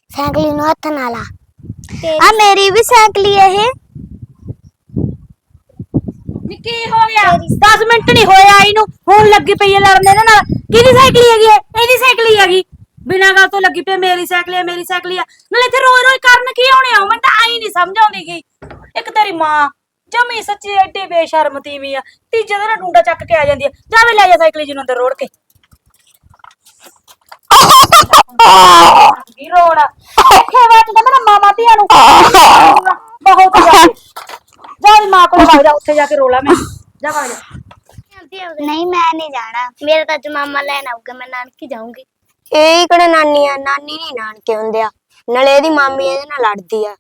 Cycle ਨੂੰ ਹੱਥ ਨਾਲ ਆ ਮੇਰੀ ਵੀ ਸਾਈਕਲ ਹੈ ਇਹ। ਨੀ ਕੀ ਹੋ ਗਿਆ 10 ਮਿੰਟ ਨਹੀਂ ਹੋਇਆ ਇਹਨੂੰ ਹੁਣ ਲੱਗੀ ਪਈ ਹੈ ਲੜਨ ਇਹਦੇ ਨਾਲ। ਕਿਹਦੀ ਸਾਈਕਲ ਹੈਗੀ ਹੈ? ਇਹਦੀ ਸਾਈਕਲ ਹੀ ਹੈਗੀ। ਬਿਨਾਂ ਗੱਲ ਤੋਂ ਲੱਗੀ ਪਈ ਮੇਰੀ ਸਾਈਕਲ ਹੈ ਮੇਰੀ ਸਾਈਕਲ ਹੈ। ਨਾਲੇ ਇੱਥੇ ਰੋਜ਼ ਰੋਜ਼ ਕਰਨ ਕੀ ਆਉਣੇ ਆ? ਮੈਨੂੰ ਤਾਂ ਆਈ ਨਹੀਂ ਸਮਝ ਆਉਂਦੀ ਗਈ। ਇੱਕ ਤੇਰੀ ਮਾਂ ਜਮੀ ਸੱਚੀ ਐਡੀ ਬੇਸ਼ਰਮ ਤੀਵੀਂ ਆ। ਤੀਜੇ ਦਿਨ ਡੂੰਡਾ ਚੱਕ ਕੇ ਆ ਜਾਂਦੀ ਆ। ਜਾਵੇ ਲੈ ਜਾ ਸਾਈਕਲ ਜਿਹਨੂੰ ਅੰਦਰ ਰੋੜ ਕੇ। ਕੀ ਰੋਣਾ ਇੱਥੇ ਬੈਠਦਾ ਮੇਰਾ ਮਾਮਾ ਧੀਆਂ ਨੂੰ ਬਹੁਤ ਜ਼ਿਆਦਾ। ਜਾ ਮਾਂ ਕੋਲ ਵਗ ਜਾ ਉੱਥੇ ਜਾ ਕੇ ਰੋਲਾ ਮੈਂ। ਜਾ ਵਗ ਜਾ। ਨਹੀਂ ਮੈਂ नहीं जाना मेरा तो आज मामा ਲੈਣ ਆਊਗਾ मैं नानकी जाऊंगी। ਇਹ ਕਿਹੜੇ ਨਾਨੀ ਆ? ਨਾਨੀ ਨਹੀਂ ਨਾਨਕੇ ਹੁੰਦੇ ਆ। ਨਾਲੇ ਇਹਦੀ ਮਾਮੀ ਇਹਦੇ ਨਾਲ ਲੜਦੀ ਆ।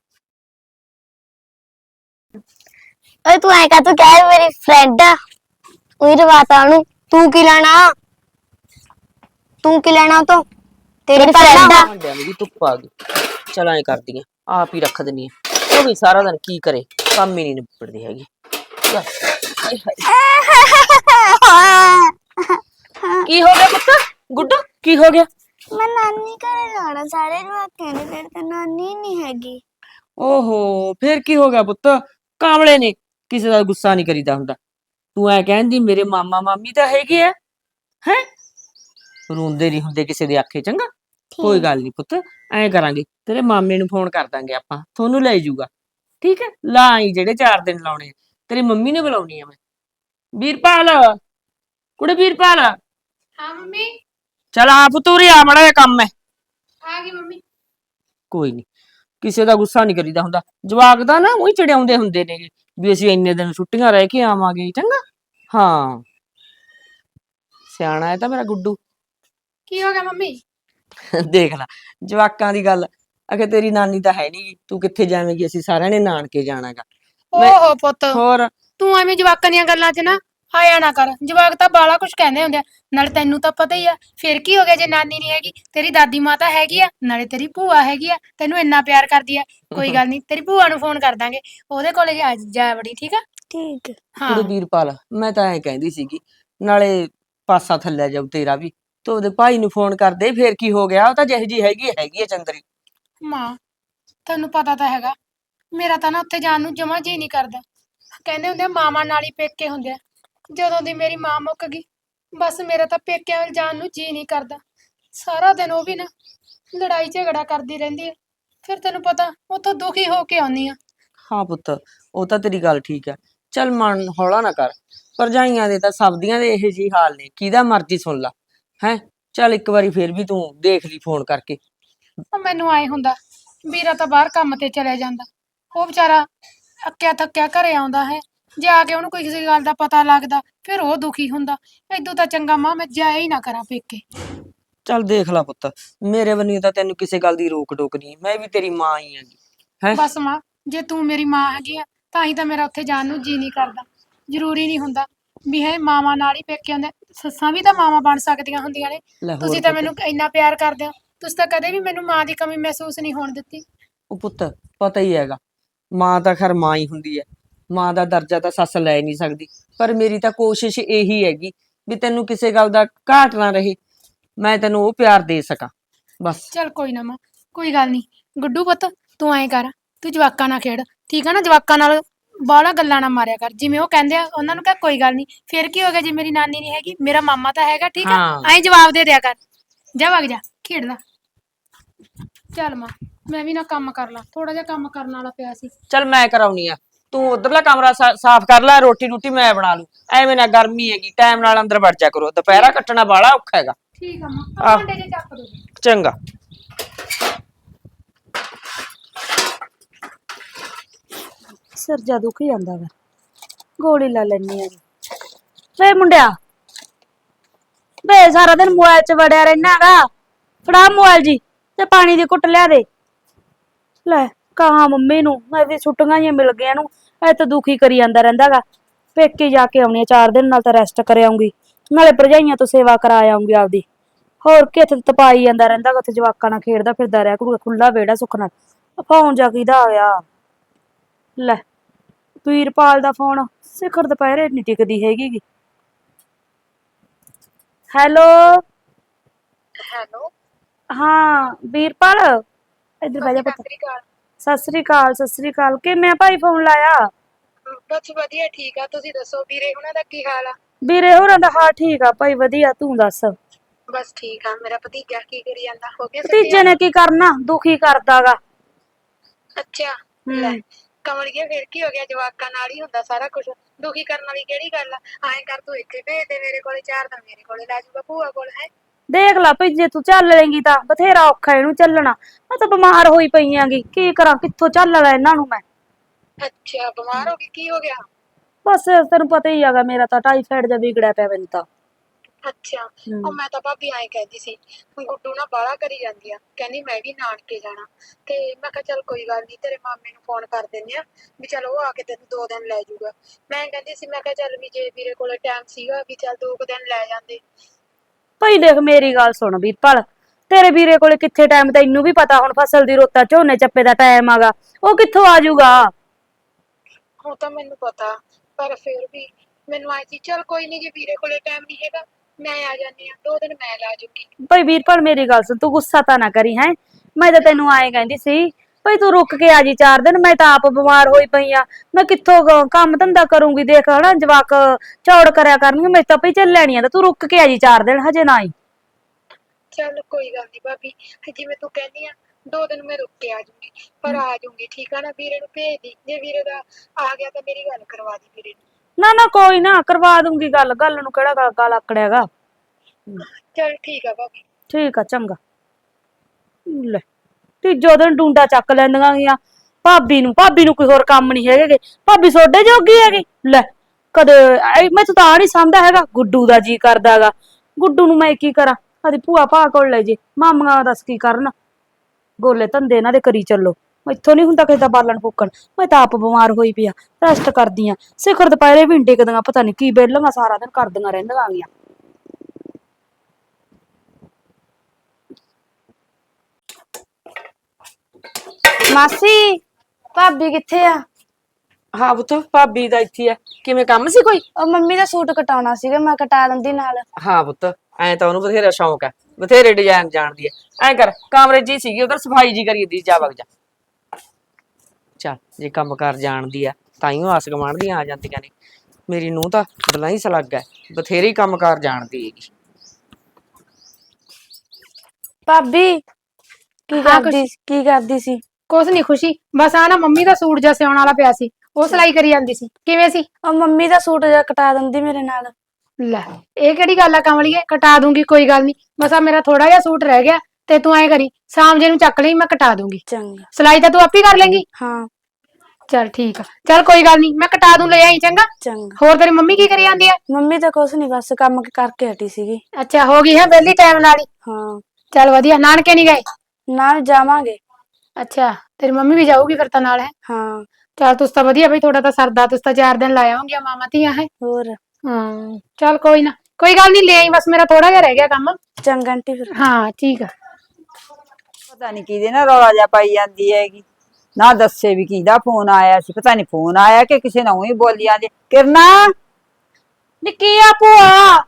ਓਏ ਤੂੰ ਐ ਕਾ ਤੂੰ ਕਹਿ ਮੇਰੀ ਫਰੈਂਡ ਆ ਉਹੀ ਰਵਾਤਾ ਉਹਨੂੰ। ਤੂੰ ਕੀ ਲੈਣਾ? ਤੂੰ ਕੀ ਲੈਣਾ ਤੋਂ? ਤੇਰੀ ਫਰੈਂਡ ਆ। ਭਾਂਡਿਆਂ ਦੀ ਧੁੱਪ ਆ ਗਈ। ਚਲ ਐ ਕਰਦੀ ਆ ਆਪ ਹੀ ਰੱਖ ਦਿੰਨੀ ਆ। ਉਹ ਵੀ ਸਾਰਾ ਦਿਨ ਕੀ ਕਰੇ ਕੰਮ ਹੀ ਨਹੀਂ ਨਿਬੜਦੀ ਹੈਗੀ। ਕੀ ਹੋ ਗਿਆ ਪੁੱਤ? ਗੁੱਡੂ ਕੀ ਹੋ ਗਿਆ? ਮੈਂ ਨਾਨੀ ਘਰੇ ਜਾਣਾ। ਸਾਰੇ ਜਵਾਕ ਕਹਿੰਦੇ ਤੇਰੇ ਤਾਂ ਨਾਨੀ ਨਹੀਂ ਹੈਗੀ। ਓਹੋ ਫੇਰ ਕੀ ਹੋ ਗਿਆ ਪੁੱਤ? ਕਾਮਲੇ ਨੇ ਕਿਸੇ ਦਾ ਗੁੱਸਾ ਨਹੀਂ ਕਰੀਦਾ ਹੁੰਦਾ। ਤੂੰ ਐ ਕਹਿੰਦੀ ਮੇਰੇ ਮਾਮਾ ਮਾਮੀ ਤਾਂ ਹੈਗੇ ਆ ਹੈ। ਰੋਂਦੇ ਨਹੀਂ ਹੁੰਦੇ ਕਿਸੇ ਦੇ ਆਖੇ। ਚੰਗਾ ਕੋਈ ਗੱਲ ਨਹੀਂ ਪੁੱਤ ਐ ਕਰਾਂਗੇ ਤੇਰੇ ਮਾਮੇ ਨੂੰ ਫੋਨ ਕਰ ਦਾਂਗੇ ਆਪਾਂ ਤੁਹਾਨੂੰ ਲੈ ਜਾਊਗਾ। ਠੀਕ ਹੈ ਲਾ ਆਈ ਜਿਹੜੇ 4 ਦਿਨ ਲਾਉਣੇ ਆ। ਤੇਰੀ ਮੰਮੀ ਨੇ ਬੁਲਾਉਣੀ ਆ ਮੈਂ। ਵੀਰਪਾਲ ਕੁੜੇ ਵੀਰਪਾਲ। ਹਾਂ ਮੰਮੀ ਚਲ ਆ ਪੁੱਤ ਉਰੇ ਆ ਮਾੜਾ ਜਿਹਾ ਕੰਮ ਹੈ। ਆ ਗਈ ਮੰਮੀ। ਕੋਈ ਨਹੀਂ ਕਿਸੇ ਦਾ ਗੁੱਸਾ ਨਹੀਂ ਕਰੀਦਾ ਹੁੰਦਾ। ਜਵਾਕ ਦਾ ਨਾ ਉਹੀ ਚੜਿਆਉਂਦੇ ਹੁੰਦੇ ਨੇ ਵੀ ਅਸੀਂ ਇੰਨੇ ਦਿਨ ਛੁੱਟੀਆਂ ਰਹਿ ਕੇ ਆਵਾਂਗੇ। ਚੰਗਾ ਹਾਂ ਸਿਆਣਾ ਹੈ ਤਾਂ ਮੇਰਾ ਗੁੱਡੂ। ਕੀ ਹੋ ਗਿਆ ਮੰਮੀ? ਦੇਖ ਲੈ ਜਵਾਕਾਂ ਦੀ ਗੱਲ। ਅਗੇ ਤੇਰੀ ਨਾਨੀ ਤਾਂ ਹੈ ਨੀ ਤੂੰ ਕਿੱਥੇ ਜਾਵੇਂਗੀ? ਅਸੀਂ ਸਾਰਿਆਂ ਨੇ ਨਾਨਕੇ ਜਾਣਾਗਾ। ਓਹੋ ਪੁੱਤ ਹੋਰ ਤੂੰ ਐਵੇਂ ਜਵਾਕਾਂ ਦੀਆਂ ਗੱਲਾਂ 'ਚ ਨਾ ਆਇਆ ਨਾ ਕਰ। ਜਵਾਕ ਤਾਂ ਬਾਲਾ ਕੁਝ ਕਹਿੰਦੇ ਹੁੰਦੇ ਆ। ਨਾਲੇ ਤੈਨੂੰ ਤਾਂ ਪਤਾ ਹੀ ਆ ਫਿਰ ਕੀ ਹੋ ਗਿਆ ਜੇ ਨਾਨੀ ਨਹੀਂ ਹੈਗੀ। ਤੇਰੀ ਦਾਦੀ ਮਾਂ ਤਾਂ ਹੈਗੀ ਆ। ਨਾਲੇ ਤੇਰੀ ਭੂਆ ਹੈਗੀ ਆ ਤੈਨੂੰ ਇੰਨਾ ਪਿਆਰ ਕਰਦੀ ਆ। ਕੋਈ ਗੱਲ ਨਹੀਂ ਤੇਰੀ ਭੂਆ ਨੂੰ ਫੋਨ ਕਰ ਦਾਂਗੇ ਉਹਦੇ ਕੋਲੇ ਜਾ ਵੜੀ। ਠੀਕ ਆ ਠੀਕ ਹਾਂ। ਕੁੜੇ ਵੀਰਪਾਲ ਮੈਂ ਤਾਂ ਐਂ ਕਹਿੰਦੀ ਸੀਗੀ ਨਾਲੇ ਪਾਸਾ ਥੱਲੇ ਜਾਊ ਤੇਰਾ ਵੀ। ਤੂੰ ਉਹਦੇ ਭਾਈ ਨੂੰ ਫੋਨ ਕਰ ਦੇ। ਫੇਰ ਕੀ ਹੋ ਗਿਆ? ਉਹ ਤਾਂ ਜਿਹੋ ਜੀ ਹੈਗੀ ਆ ਚੰਦਰੀ। ਮਾਂ ਤੈਨੂੰ ਪਤਾ ਤਾਂ ਹੈਗਾ ਮੇਰਾ ਤਾਂ ਨਾ ਉੱਥੇ ਜਾਣ ਨੂੰ ਜਮਾ ਜੀ ਨਹੀਂ ਕਰਦਾ। ਕਹਿੰਦੇ ਹੁੰਦੇ ਆ ਮਾਵਾਂ ਨਾਲ ਹੀ ਪੇਕੇ ਹੁੰਦੇ ਆ। ਜਦੋਂ ਦੀ ਮੇਰੀ ਮਾਂ ਮੁੱਕ ਗਈ ਬਸ ਮੇਰਾ ਤਾਂ ਪੇਕਿਆਂ ਵੱਲ ਜਾਣ ਨੂੰ ਜੀ ਨਹੀਂ ਕਰਦਾ। ਸਾਰਾ ਦਿਨ ਉਹ ਵੀ ਨਾ ਲੜਾਈ ਝਗੜਾ ਕਰਦੀ ਰਹਿੰਦੀ ਹੈ। ਫਿਰ ਤੈਨੂੰ ਪਤਾ ਉੱਥੋਂ ਦੁਖੀ ਹੋ ਕੇ ਆਉਂਦੀ ਆ। ਹਾਂ ਪੁੱਤ ਉਹ ਤਾਂ ਤੇਰੀ ਗੱਲ ਠੀਕ ਹੈ। ਚੱਲ ਮਨ ਹੌਲਾ ਨਾ ਕਰ। ਭਰਜਾਈਆਂ ਦੇ ਤਾਂ ਸਭ ਦੀਆਂ ਦੇ ਇਹੋ ਜਿਹੀ ਹਾਲ ਨੇ। ਕਿਹਦਾ ਮਰਜ਼ੀ ਸੁਣ ਲਾ ਹੈ। ਚੱਲ ਇੱਕ ਵਾਰੀ ਫੇਰ ਵੀ ਤੂੰ ਦੇਖ ਲਈ ਫੋਨ ਕਰਕੇ। ਉਹ ਮੈਨੂੰ ਆਏ ਹੁੰਦਾ ਵੀਰਾ ਤਾਂ ਬਾਹਰ ਕੰਮ ਤੇ ਚਲਿਆ ਜਾਂਦਾ। ਉਹ ਵਿਚਾਰਾ ਅੱਕਿਆ ਥੱਕਿਆ ਘਰੇ ਆਉਂਦਾ ਹੈ। ਜੇ ਆ ਕੇ ਉਹਨੂੰ ਕੋਈ ਕਿਸੇ ਗੱਲ ਦਾ ਪਤਾ ਲੱਗਦਾ ਫਿਰ ਉਹ ਦੁਖੀ ਹੁੰਦਾ। ਏਦੂ ਤਾਂ ਚੰਗਾ ਮਾਂ ਮੈਂ ਜਾਇਆ ਹੀ ਨਾ ਕਰਾਂ ਪੇਕੇ। ਚੱਲ ਦੇਖ ਲੈ ਪੁੱਤ ਮੇਰੇ ਵੱਲੋਂ ਤਾਂ ਤੈਨੂੰ ਕਿਸੇ ਗੱਲ ਦੀ ਰੋਕ ਟੋਕ ਨਹੀਂ। ਮੈਂ ਵੀ ਤੇਰੀ ਮਾਂ ਹੀ ਹੈਗੀ ਹੈ। ਬਸ ਮਾਂ ਜੇ ਤੂੰ ਮੇਰੀ ਮਾਂ ਹੈਗੀ ਆ ਤਾਂ ਹੀ ਤਾਂ ਮੇਰਾ ਉੱਥੇ ਜਾਣ ਨੂੰ ਜੀ ਨਹੀਂ ਕਰਦਾ। ਜ਼ਰੂਰੀ ਨਹੀਂ ਹੁੰਦਾ ਵੀ ਹੈ ਮਾਵਾਂ ਨਾਲ ਹੀ ਪੇਕੇ ਹੁੰਦੇ। ਸੱਸਾਂ ਵੀ ਤਾਂ ਮਾਵਾਂ ਬਣ ਸਕਦੀਆਂ ਹੁੰਦੀਆਂ ਨੇ। ਲੈ ਹੋਰ ਤੁਸੀਂ ਤਾਂ ਪੁੱਤ ਮੈਨੂੰ ਇੰਨਾ ਪਿਆਰ ਕਰਦੇ ਹੋ। ਤੁਸੀਂ ਤਾਂ ਕਦੇ ਵੀ ਮੈਨੂੰ ਮਾਂ ਦੀ ਕਮੀ ਮਹਿਸੂਸ ਨਹੀਂ ਹੋਣ ਦਿੱਤੀ। ਉਹ ਪੁੱਤ ਪਤਾ ਹੀ ਹੈਗਾ ਮਾਂ ਤਾਂ ਖੈਰ ਮਾਂ ਹੀ ਹੁੰਦੀ ਹੈ। ਮਾਂ ਦਾ ਦਰਜਾ ਤਾਂ ਸੱਸ ਲੈ ਨਹੀਂ ਸਕਦੀ। ਪਰ ਮੇਰੀ ਤਾਂ ਕੋਸ਼ਿਸ਼ ਇਹੀ ਹੈਗੀ ਵੀ ਤੈਨੂੰ ਕਿਸੇ ਗੱਲ ਦਾ ਘਾਟ ਨਾ ਰਹੇ। ਮੈਂ ਤੈਨੂੰ ਉਹ ਪਿਆਰ ਦੇ ਸਕਾਂ ਬਸ। ਚੱਲ ਕੋਈ ਨਾ ਮਾਂ ਕੋਈ ਗੱਲ ਨਹੀਂ। ਗੁੱਡੂ ਪੁੱਤ ਤੂੰ ਐਂ ਕਰ ਤੂੰ ਜਵਾਕਾਂ ਨਾਲ ਖੇਡ ਠੀਕ ਆ ਨਾ। ਜਵਾਕਾਂ ਨਾਲ ਬਾਹਲਾ ਗੱਲਾਂ ਨਾ ਮਾਰਿਆ ਕਰ। ਜਿਵੇਂ ਉਹ ਕਹਿੰਦੇ ਆ ਉਹਨਾਂ ਨੂੰ ਕਹਿ ਕੋਈ ਗੱਲ ਨਹੀਂ। ਫਿਰ ਕੀ ਹੋ ਗਿਆ ਜੇ ਮੇਰੀ ਨਾਨੀ ਨਹੀਂ ਹੈਗੀ? ਮੇਰਾ ਮਾਮਾ ਤਾਂ ਹੈਗਾ। ਠੀਕ ਆ ਹਾਂ ਐਂ ਜਵਾਬ ਦੇ ਦਿਆ ਕਰ। ਜਾ ਵਗ ਜਾ ਖੇਡ ਲਾ। ਚੱਲ ਮਾਂ ਮੈਂ ਵੀ ਨਾ ਕੰਮ ਕਰ ਲਾਂ। ਥੋੜਾ ਜਿਹਾ ਕੰਮ ਕਰਨ ਵਾਲਾ ਪਿਆ ਸੀ। ਚੱਲ ਮੈਂ ਕਰਾਉਣੀ ਆ। ਤੂੰ ਉਧਰਲਾ ਕਮਰਾ ਸਾਫ਼ ਕਰ ਲੈ। ਰੋਟੀ ਰੂਟੀ ਮੈਂ ਬਣਾ ਲੂ। ਐਵੇਂ ਨਾ ਗਰਮੀ ਹੈਗੀ ਟਾਈਮ ਨਾਲ ਅੰਦਰ ਵੜ ਜਾ ਕਰੋ। ਦੁਪਹਿਰਾ ਕੱਟਣਾ ਬਾਹਲਾ ਔਖਾ ਹੈਗਾ। ਠੀਕ ਆ ਮਾਂ ਆਹ ਭਾਂਡੇ ਜੇ ਚੱਕ ਦੋ। ਚੰਗਾ। ਸਿਰ ਜਾ ਦੁਖੀ ਜਾਂਦਾ ਵਾ। ਗੋਲੀ ਲਾ ਲੈਣੀ ਆ। ਵੇ ਮੁੰਡਿਆ ਵੇ ਸਾਰਾ ਦਿਨ ਮੋਬਾਈਲ 'ਚ ਵੜਿਆ ਰਹਿਣਾਗਾ। ਫੜਾ ਮੋਬਾਈਲ ਜੀ ਤੇ ਪਾਣੀ ਦੀ ਘੁੱਟ ਲਿਆ ਦੇ। ਲੈ ਕਹਾ ਮੰਮੀ ਨੂੰ ਮੈਂ ਵੀ ਛੁੱਟੀਆਂ ਹੀ ਮਿਲ ਗਈਆਂ ਨੂੰ। ਐ ਤਾਂ ਦੁਖੀ ਕਰੀ ਜਾਂਦਾ ਰਹਿੰਦਾਗਾ। ਪੇਕੇ ਜਾ ਕੇ ਆਉਣੀ ਆ 4 ਦਿਨ ਨਾਲ ਤਾਂ ਰੈਸਟ ਕਰ ਆਉਂਗੀ। ਨਾਲੇ ਭਰਜਾਈਆਂ ਤੋਂ ਸੇਵਾ ਕਰਾ ਆਉਂਗੀ ਆਪਦੀ। ਹੋਰ ਕਿੱਥੇ ਤਪਾਈ ਜਾਂਦਾ ਰਹਿੰਦਾਗਾ। ਉੱਥੇ ਜਵਾਕਾਂ ਨਾਲ ਖੇਡਦਾ ਫਿਰਦਾ ਰਿਹਾ ਕਰੂਗਾ। ਖੁੱਲਾ ਵਿਹੜਾ ਸੁੱਖ ਨਾਲ। ਫੋਨ ਜਾ ਕਿਹਦਾ ਆਇਆ? ਲੈ ਵੀਰਪਾਲ ਦਾ ਫੋਨ। ਸਿਖਰ ਦੁਪਹਿਰੇ ਨੀ ਟਿਕਦੀ ਹੈਗੀ। ਹੈਲੋ ਹੈਲੋ ਹਾਂ ਵੀਰਪਾਲ ਇੱਧਰ ਬਹਿ ਜਾ ਪੁੱਤ। ਸਤਿ ਸ੍ਰੀ ਅਕਾਲ, ਸਤਿ ਸ੍ਰੀ ਅਕਾਲ। ਕਿਵੇਂ ਆ ਭਾਈ ਫੋਨ ਲਾਇਆ? ਬਸ ਵਧੀਆ, ਠੀਕ ਆ। ਤੁਸੀਂ ਦੱਸੋ ਵੀਰੇ ਉਹਨਾਂ ਦਾ ਕੀ ਹਾਲ ਆ? ਵੀਰੇ ਹੋਰਾਂ ਦਾ ਹਾਲ ਠੀਕ ਆ ਭਾਈ, ਵਧੀਆ। ਤੂੰ ਦੱਸ। ਬਸ ਠੀਕ ਆ। ਮੇਰਾ ਭਤੀਜਾ ਕੀ ਕਰੀ ਜਾਂਦਾ? ਹੋ ਗਿਆ ਭਤੀਜੇ ਨੇ ਕੀ ਕਰਨਾ, ਦੁਖੀ ਕਰਦਾਗਾ। ਅੱਛਾ ਲੈ ਕਮਲੀਏ, ਫਿਰ ਕੀ ਹੋ ਗਿਆ? ਜਵਾਕਾਂ ਨਾਲ ਹੀ ਹੁੰਦਾ ਸਾਰਾ ਕੁਝ। ਦੁਖੀ ਕਰਨ ਵਾਲੀ ਕਿਹੜੀ ਗੱਲ ਆ? ਐਂ ਕਰ, ਤੂੰ ਇੱਥੇ ਭੇਜ ਦੇ ਮੇਰੇ ਕੋਲੇ, 4 ਦਿਨ ਮੇਰੇ ਕੋਲੇ ਲਾ ਜੂਗਾ ਭੂਆ ਕੋਲ। ਹੈ ਦੇਖ ਲਾ ਭਈ, ਜੇ ਤੂੰ ਚੱਲ ਲੇਂਗੀ ਤਾਂ ਬਥੇਰਾ ਔਖਾ ਇਹਨੂੰ ਚੱਲਣਾ। ਮੈਂ ਤਾਂ ਬਿਮਾਰ ਹੋਈ ਪਈ ਆਂਗੀ, ਕੀ ਕਰਾਂ, ਕਿੱਥੋਂ ਚੱਲ ਲਾ ਇਹਨਾਂ ਨੂੰ ਮੈਂ। ਅੱਛਾ ਬਿਮਾਰ ਹੋ ਗਈ? ਕੀ ਹੋ ਗਿਆ? ਬਸ ਤੈਨੂੰ ਪਤਾ ਹੀ ਹੈਗਾ, ਮੇਰਾ ਤਾਂ ਟਾਈਫਾਇਡ ਜਿਹਾ ਵਿਗੜਿਆ ਪਿਆ ਮੈਨੂੰ ਤਾਂ। ਅੱਛਾ ਉਹ ਮੈਂ ਤਾਂ ਭਾਬੀ ਐਂ ਕਹਿੰਦੀ ਸੀ, ਗੁੱਡੂ ਨਾ ਬਾਹਲਾ ਕਰੀ ਜਾਂਦੀ ਆ, ਕਹਿੰਦੀ ਮੈਂ ਵੀ ਨਾਨਕੇ ਜਾਣਾ। ਤੇ ਮੈਂ ਕਿਹਾ ਚੱਲ ਕੋਈ ਗੱਲ ਨਹੀਂ, ਤੇਰੇ ਮਾਮੇ ਨੂੰ ਫੋਨ ਕਰ ਦਿੰਦੇ ਆ ਵੀ ਚੱਲ ਉਹ ਆ ਕੇ ਤੈਨੂੰ 2 ਦਿਨ ਲੈ ਜਾਊਗਾ। ਮੈਂ ਕਹਿੰਦੀ ਸੀ, ਮੈਂ ਕਿਹਾ ਚੱਲ ਵੀ ਜੇ ਵੀਰੇ ਕੋਲੇ ਟਾਈਮ ਸੀਗਾ ਵੀ ਚੱਲ 2 ਦਿਨ ਲੈ ਜਾਂਦੇ। ਭਾਈ ਦੇਖ, ਮੇਰੀ ਗੱਲ ਸੁਣ ਵੀਰਪਾਲ, ਤੇਰੇ ਵੀਰੇ ਕੋਲੇ ਕਿੱਥੇ ਟਾਈਮ? ਤੈਨੂੰ ਵੀ ਪਤਾ ਹੁਣ ਫਸਲ ਦੀ ਰੋਤਾ, ਝੋਨੇ ਚੱਪੇ ਦਾ ਟਾਈਮ ਆਗਾ, ਉਹ ਕਿੱਥੋਂ ਆ ਜਾਊਗਾ? ਉਹ ਤਾਂ ਮੈਨੂੰ ਪਤਾ, ਪਰ ਫਿਰ ਵੀ ਮੈਨੂੰ ਆਈ ਸੀ ਚੱਲ ਕੋਈ ਨਹੀਂ, ਜੇ ਵੀਰੇ ਕੋਲੇ ਟਾਈਮ ਨਹੀਂ ਹੈਗਾ ਮੈਂ ਆ ਜਾਂਦੀ ਆ, 2 ਦਿਨ ਮੈਂ ਲਾ ਜੂਗੀ। ਭਾਈ ਵੀਰਪਾਲ ਮੇਰੀ ਗੱਲ ਸੁਣ, ਤੂੰ ਗੁੱਸਾ ਤਾਂ ਨਾ ਕਰੀ। ਹੈ ਮੈਂ ਤਾਂ ਤੈਨੂੰ ਆਏ ਕਹਿੰਦੀ ਸੀ ਭਾਈ ਤੂੰ ਰੁਕ ਕੇ ਆ ਜੀ 4 ਦਿਨ। ਮੈਂ ਤਾਂ ਆਪ ਬਿਮਾਰ ਹੋਈ ਪਈ ਆ, ਮੈਂ ਕਿੱਥੋਂ ਕੰਮ ਧੰਦਾ ਕਰੂੰਗੀ? ਦੇਖ ਹਨਾ, ਜਵਾਕ ਚੌੜ ਕਰਿਆ ਕਰਨਗੇ, ਮੈਂ ਤਾਂ ਭਈ ਚੱਲਣੀ ਆ। ਤਾਂ ਤੂੰ ਰੁਕ ਕੇ ਆ ਜੀ 4 ਦਿਨ, ਹਜੇ ਨਾ ਆਈ। ਚੱਲ ਕੋਈ ਗੱਲ ਨਹੀਂ ਭਾਬੀ, ਜਿਵੇਂ ਤੂੰ ਕਹਿੰਦੀ ਆ 2 ਦਿਨ ਮੈਂ ਰੁਕ ਕੇ ਆ ਜੂਗੀ, ਪਰ ਆ ਜੂਗੀ ਠੀਕ ਆ ਨਾ? ਵੀਰੇ ਨੂੰ ਭੇਜ ਦੀ, ਜੇ ਵੀਰੇ ਦਾ ਆ ਗਿਆ ਤਾਂ ਮੇਰੀ ਗੱਲ ਕਰਵਾ ਦੀ ਵੀਰੇ ਨੂੰ। ਨਾ ਨਾ ਕੋਈ ਨਾ, ਕਰਵਾ ਦੂੰਗੀ ਗੱਲ। ਗੱਲ ਨੂੰ ਕਿਹੜਾ ਗੱਲ ਆਕੜਿਆਗਾ। ਚੱਲ ਠੀਕ ਆ ਭਾਬੀ। ਠੀਕ ਆ, ਚੰਗਾ। ਲੈ ਤੀਜੋ ਦਿਨ ਡੂੰਡਾ ਚੱਕ ਲੈਂਦੀਆਂ ਗੀਆਂ ਭਾਬੀ ਨੂੰ ਕੋਈ ਹੋਰ ਕੰਮ ਨਹੀਂ ਹੈਗੇ। ਭਾਬੀ ਸੋਡੇ ਜੋਗੀ ਹੈਗੀ? ਲੈ ਕਦੇ ਮੈਂ ਤਾਂ ਨਹੀਂ ਸਮਝਦਾ ਹੈਗਾ। ਗੁੱਡੂ ਦਾ ਜੀ ਕਰਦਾਗਾ, ਗੁੱਡੂ ਨੂੰ ਮੈਂ ਕੀ ਕਰਾਂ? ਕਦੀ ਭੂਆ ਭਾ ਕੋਲ ਲੈ ਜੇ, ਮਾਮੀਆਂ ਦੱਸ ਕੀ ਕਰਨ? ਗੋਲੇ ਧੰਦੇ ਇਹਨਾਂ ਦੇ ਕਰੀ ਚੱਲੋ, ਇੱਥੋਂ ਨਹੀਂ ਹੁੰਦਾ ਕਿਸੇ ਦਾ ਬਾਲਣ ਫੂਕਣ। ਮੈਂ ਤਾਂ ਆਪ ਬਿਮਾਰ ਹੋਈ ਪਈ ਆ, ਰੈਸਟ ਕਰਦੀ ਆ। ਸਿਖਰ ਦੁਪਹਿਰੇ ਵੀ ਡਿੱਗਦੀਆਂ, ਪਤਾ ਨਹੀਂ ਕੀ ਬੇਲੀਆਂ ਸਾਰਾ ਦਿਨ ਕਰਦੀਆਂ ਰਹਿੰਦੀਆਂ ਗੀਆਂ। ਮਾਸੀ, ਭਾਬੀ ਕਿੱਥੇ ਆ? ਹਾਂ ਪੁੱਤ, ਭਾਬੀ ਦਾ ਇੱਥੇ ਆ। ਕਿਵੇਂ ਕੰਮ ਸੀ ਕੋਈ? ਉਹ ਮੰਮੀ ਦਾ ਸੂਟ ਕਟਾਉਣਾ ਸੀਗਾ, ਮੈਂ ਕਟਾ ਦਿੰਦੀ ਨਾਲ। ਹਾਂ ਪੁੱਤ, ਐ ਤਾਂ ਉਹਨੂੰ ਬਥੇਰਾ ਸ਼ੌਂਕ ਹੈ, ਬਥੇਰੇ ਡਿਜ਼ਾਈਨ ਜਾਣਦੀ ਹੈ। ਐ ਕਰ, ਕਮਰੇ ਜੀ ਸੀਗੀ ਉਧਰ ਸਫਾਈ ਜੀ ਕਰੀ ਦੀ, ਜਾ ਵਗ ਜਾ। ਚੱਲ ਜੇ ਕੰਮ ਕਰ ਜਾਣਦੀ ਆ ਤਾਂ ਹੀ ਉਹ ਆਸ ਗੁਆਂਢ ਦੀਆਂ ਆ ਜਾਂਦੀਆਂ ਨੇ। ਮੇਰੀ ਨੂੰਹ ਤਾਂ ਬਦਲਾ ਹੀ ਸਲੱਗ ਹੈ, ਬਥੇਰੀ ਕੰਮ ਕਾਰ ਜਾਣਦੀ ਹੈਗੀ। ਭਾਬੀ ਕੀ ਕਰਦੀ ਸੀ? ਕੁਛ ਨੀ ਖੁਸ਼ੀ, ਬਸ ਆ ਨਾ ਮੰਮੀ ਦਾ ਸੂਟ ਜਿਹਾ ਸਿਉਣ ਵਾਲਾ ਪਿਆ ਸੀ, ਉਹ ਸਿਲਾਈ ਕਰੀ ਜਾਂਦੀ ਸੀ। ਕਿਵੇਂ ਸੀ? ਉਹ ਮੰਮੀ ਦਾ ਸੂਟ ਜਿਹਾ ਕਟਾ ਦਿੰਦੀ ਮੇਰੇ ਨਾਲ। ਲੈ ਇਹ ਕਿਹੜੀ ਗੱਲ ਆ ਕਮਲੀਏ, ਕਟਾ ਦੂੰਗੀ ਕੋਈ ਗੱਲ ਨਹੀਂ। ਬਸ ਆ ਮੇਰਾ ਥੋੜਾ ਜਿਹਾ ਸੂਟ ਰਹਿ ਗਿਆ, ਤੇ ਤੂੰ ਐਂ ਕਰੀ ਸ਼ਾਮ ਜੇ ਨੂੰ ਚੱਕ ਲਈ, ਮੈਂ ਕਟਾ ਦੂੰਗੀ। ਚੰਗਾ। ਸਿਲਾਈ ਤਾਂ ਤੂੰ ਆਪੇ ਕਰ ਲੇਂਗੀ? ਹਾਂ ਚੱਲ ਠੀਕ ਆ, ਚੱਲ ਕੋਈ ਗੱਲ ਨਹੀਂ, ਮੈਂ ਕਟਾ ਦੂੰ, ਲੈ ਆਈ ਚੰਗਾ। ਚੰਗਾ। ਹੋਰ ਤੇਰੀ ਮੰਮੀ ਕੀ ਕਰੀ ਜਾਂਦੀ ਆ? ਮੰਮੀ ਤਾਂ ਕੁਛ ਨੀ, ਬਸ ਕੰਮ ਕਰਕੇ ਹਟੀ ਸੀਗੀ। ਅੱਛਾ ਹੋ ਗਈ ਹੈ ਵਿਹਲੀ ਟਾਈਮ ਨਾਲ ਹੀ? ਹਾਂ। ਚੱਲ ਵਧੀਆ। ਨਾਨਕੇ ਨਹੀਂ ਗਏ? ਨਾਲ ਜਾਵਾਂਗੇ। ਅੱਛਾ ਤੇਰੀ ਮੰਮੀ ਵੀ ਜਾਊਗੀ ਫਿਰ ਤਾਂ ਨਾਲ? ਹੈ ਹਾਂ। ਚੱਲ ਤੁਸੀਂ ਤਾਂ ਵਧੀਆ ਬਈ, ਥੋੜਾ ਤਾਂ ਸਰਦਾ, ਤੁਸੀਂ ਤਾਂ 4 ਦਿਨ ਲਾ ਆਉਂਗੀਆਂ ਮਾਮਾ ਧੀਆਂ। ਹੈ ਹੋਰ? ਹਾਂ ਚੱਲ ਕੋਈ ਨਾ, ਕੋਈ ਗੱਲ ਨਹੀਂ, ਲੈ ਆਈ। ਬਸ ਮੇਰਾ ਥੋੜਾ ਜਿਹਾ ਰਹਿ ਗਿਆ ਕੰਮ। ਚੰਗਾ ਆਂਟੀ ਫਿਰ। ਹਾਂ ਠੀਕ ਆ। ਪਤਾ ਨਹੀਂ ਕਿਹਦੇ ਨਾਲ ਰੌਲਾ ਜਿਹਾ ਪਾਈ ਜਾਂਦੀ ਹੈਗੀ, ਨਾ ਦੱਸੇ ਵੀ ਕਿਹਦਾ ਫੋਨ ਆਇਆ ਸੀ। ਪਤਾ ਨਹੀਂ ਫੋਨ ਆਇਆ ਕਿ ਕਿਸੇ ਨਾਲ ਹੀ ਬੋਲੀ ਜਾਂਦੀ। ਕਿਰਨਾ ਨੀ ਕੀ ਆ ਭੂਆ?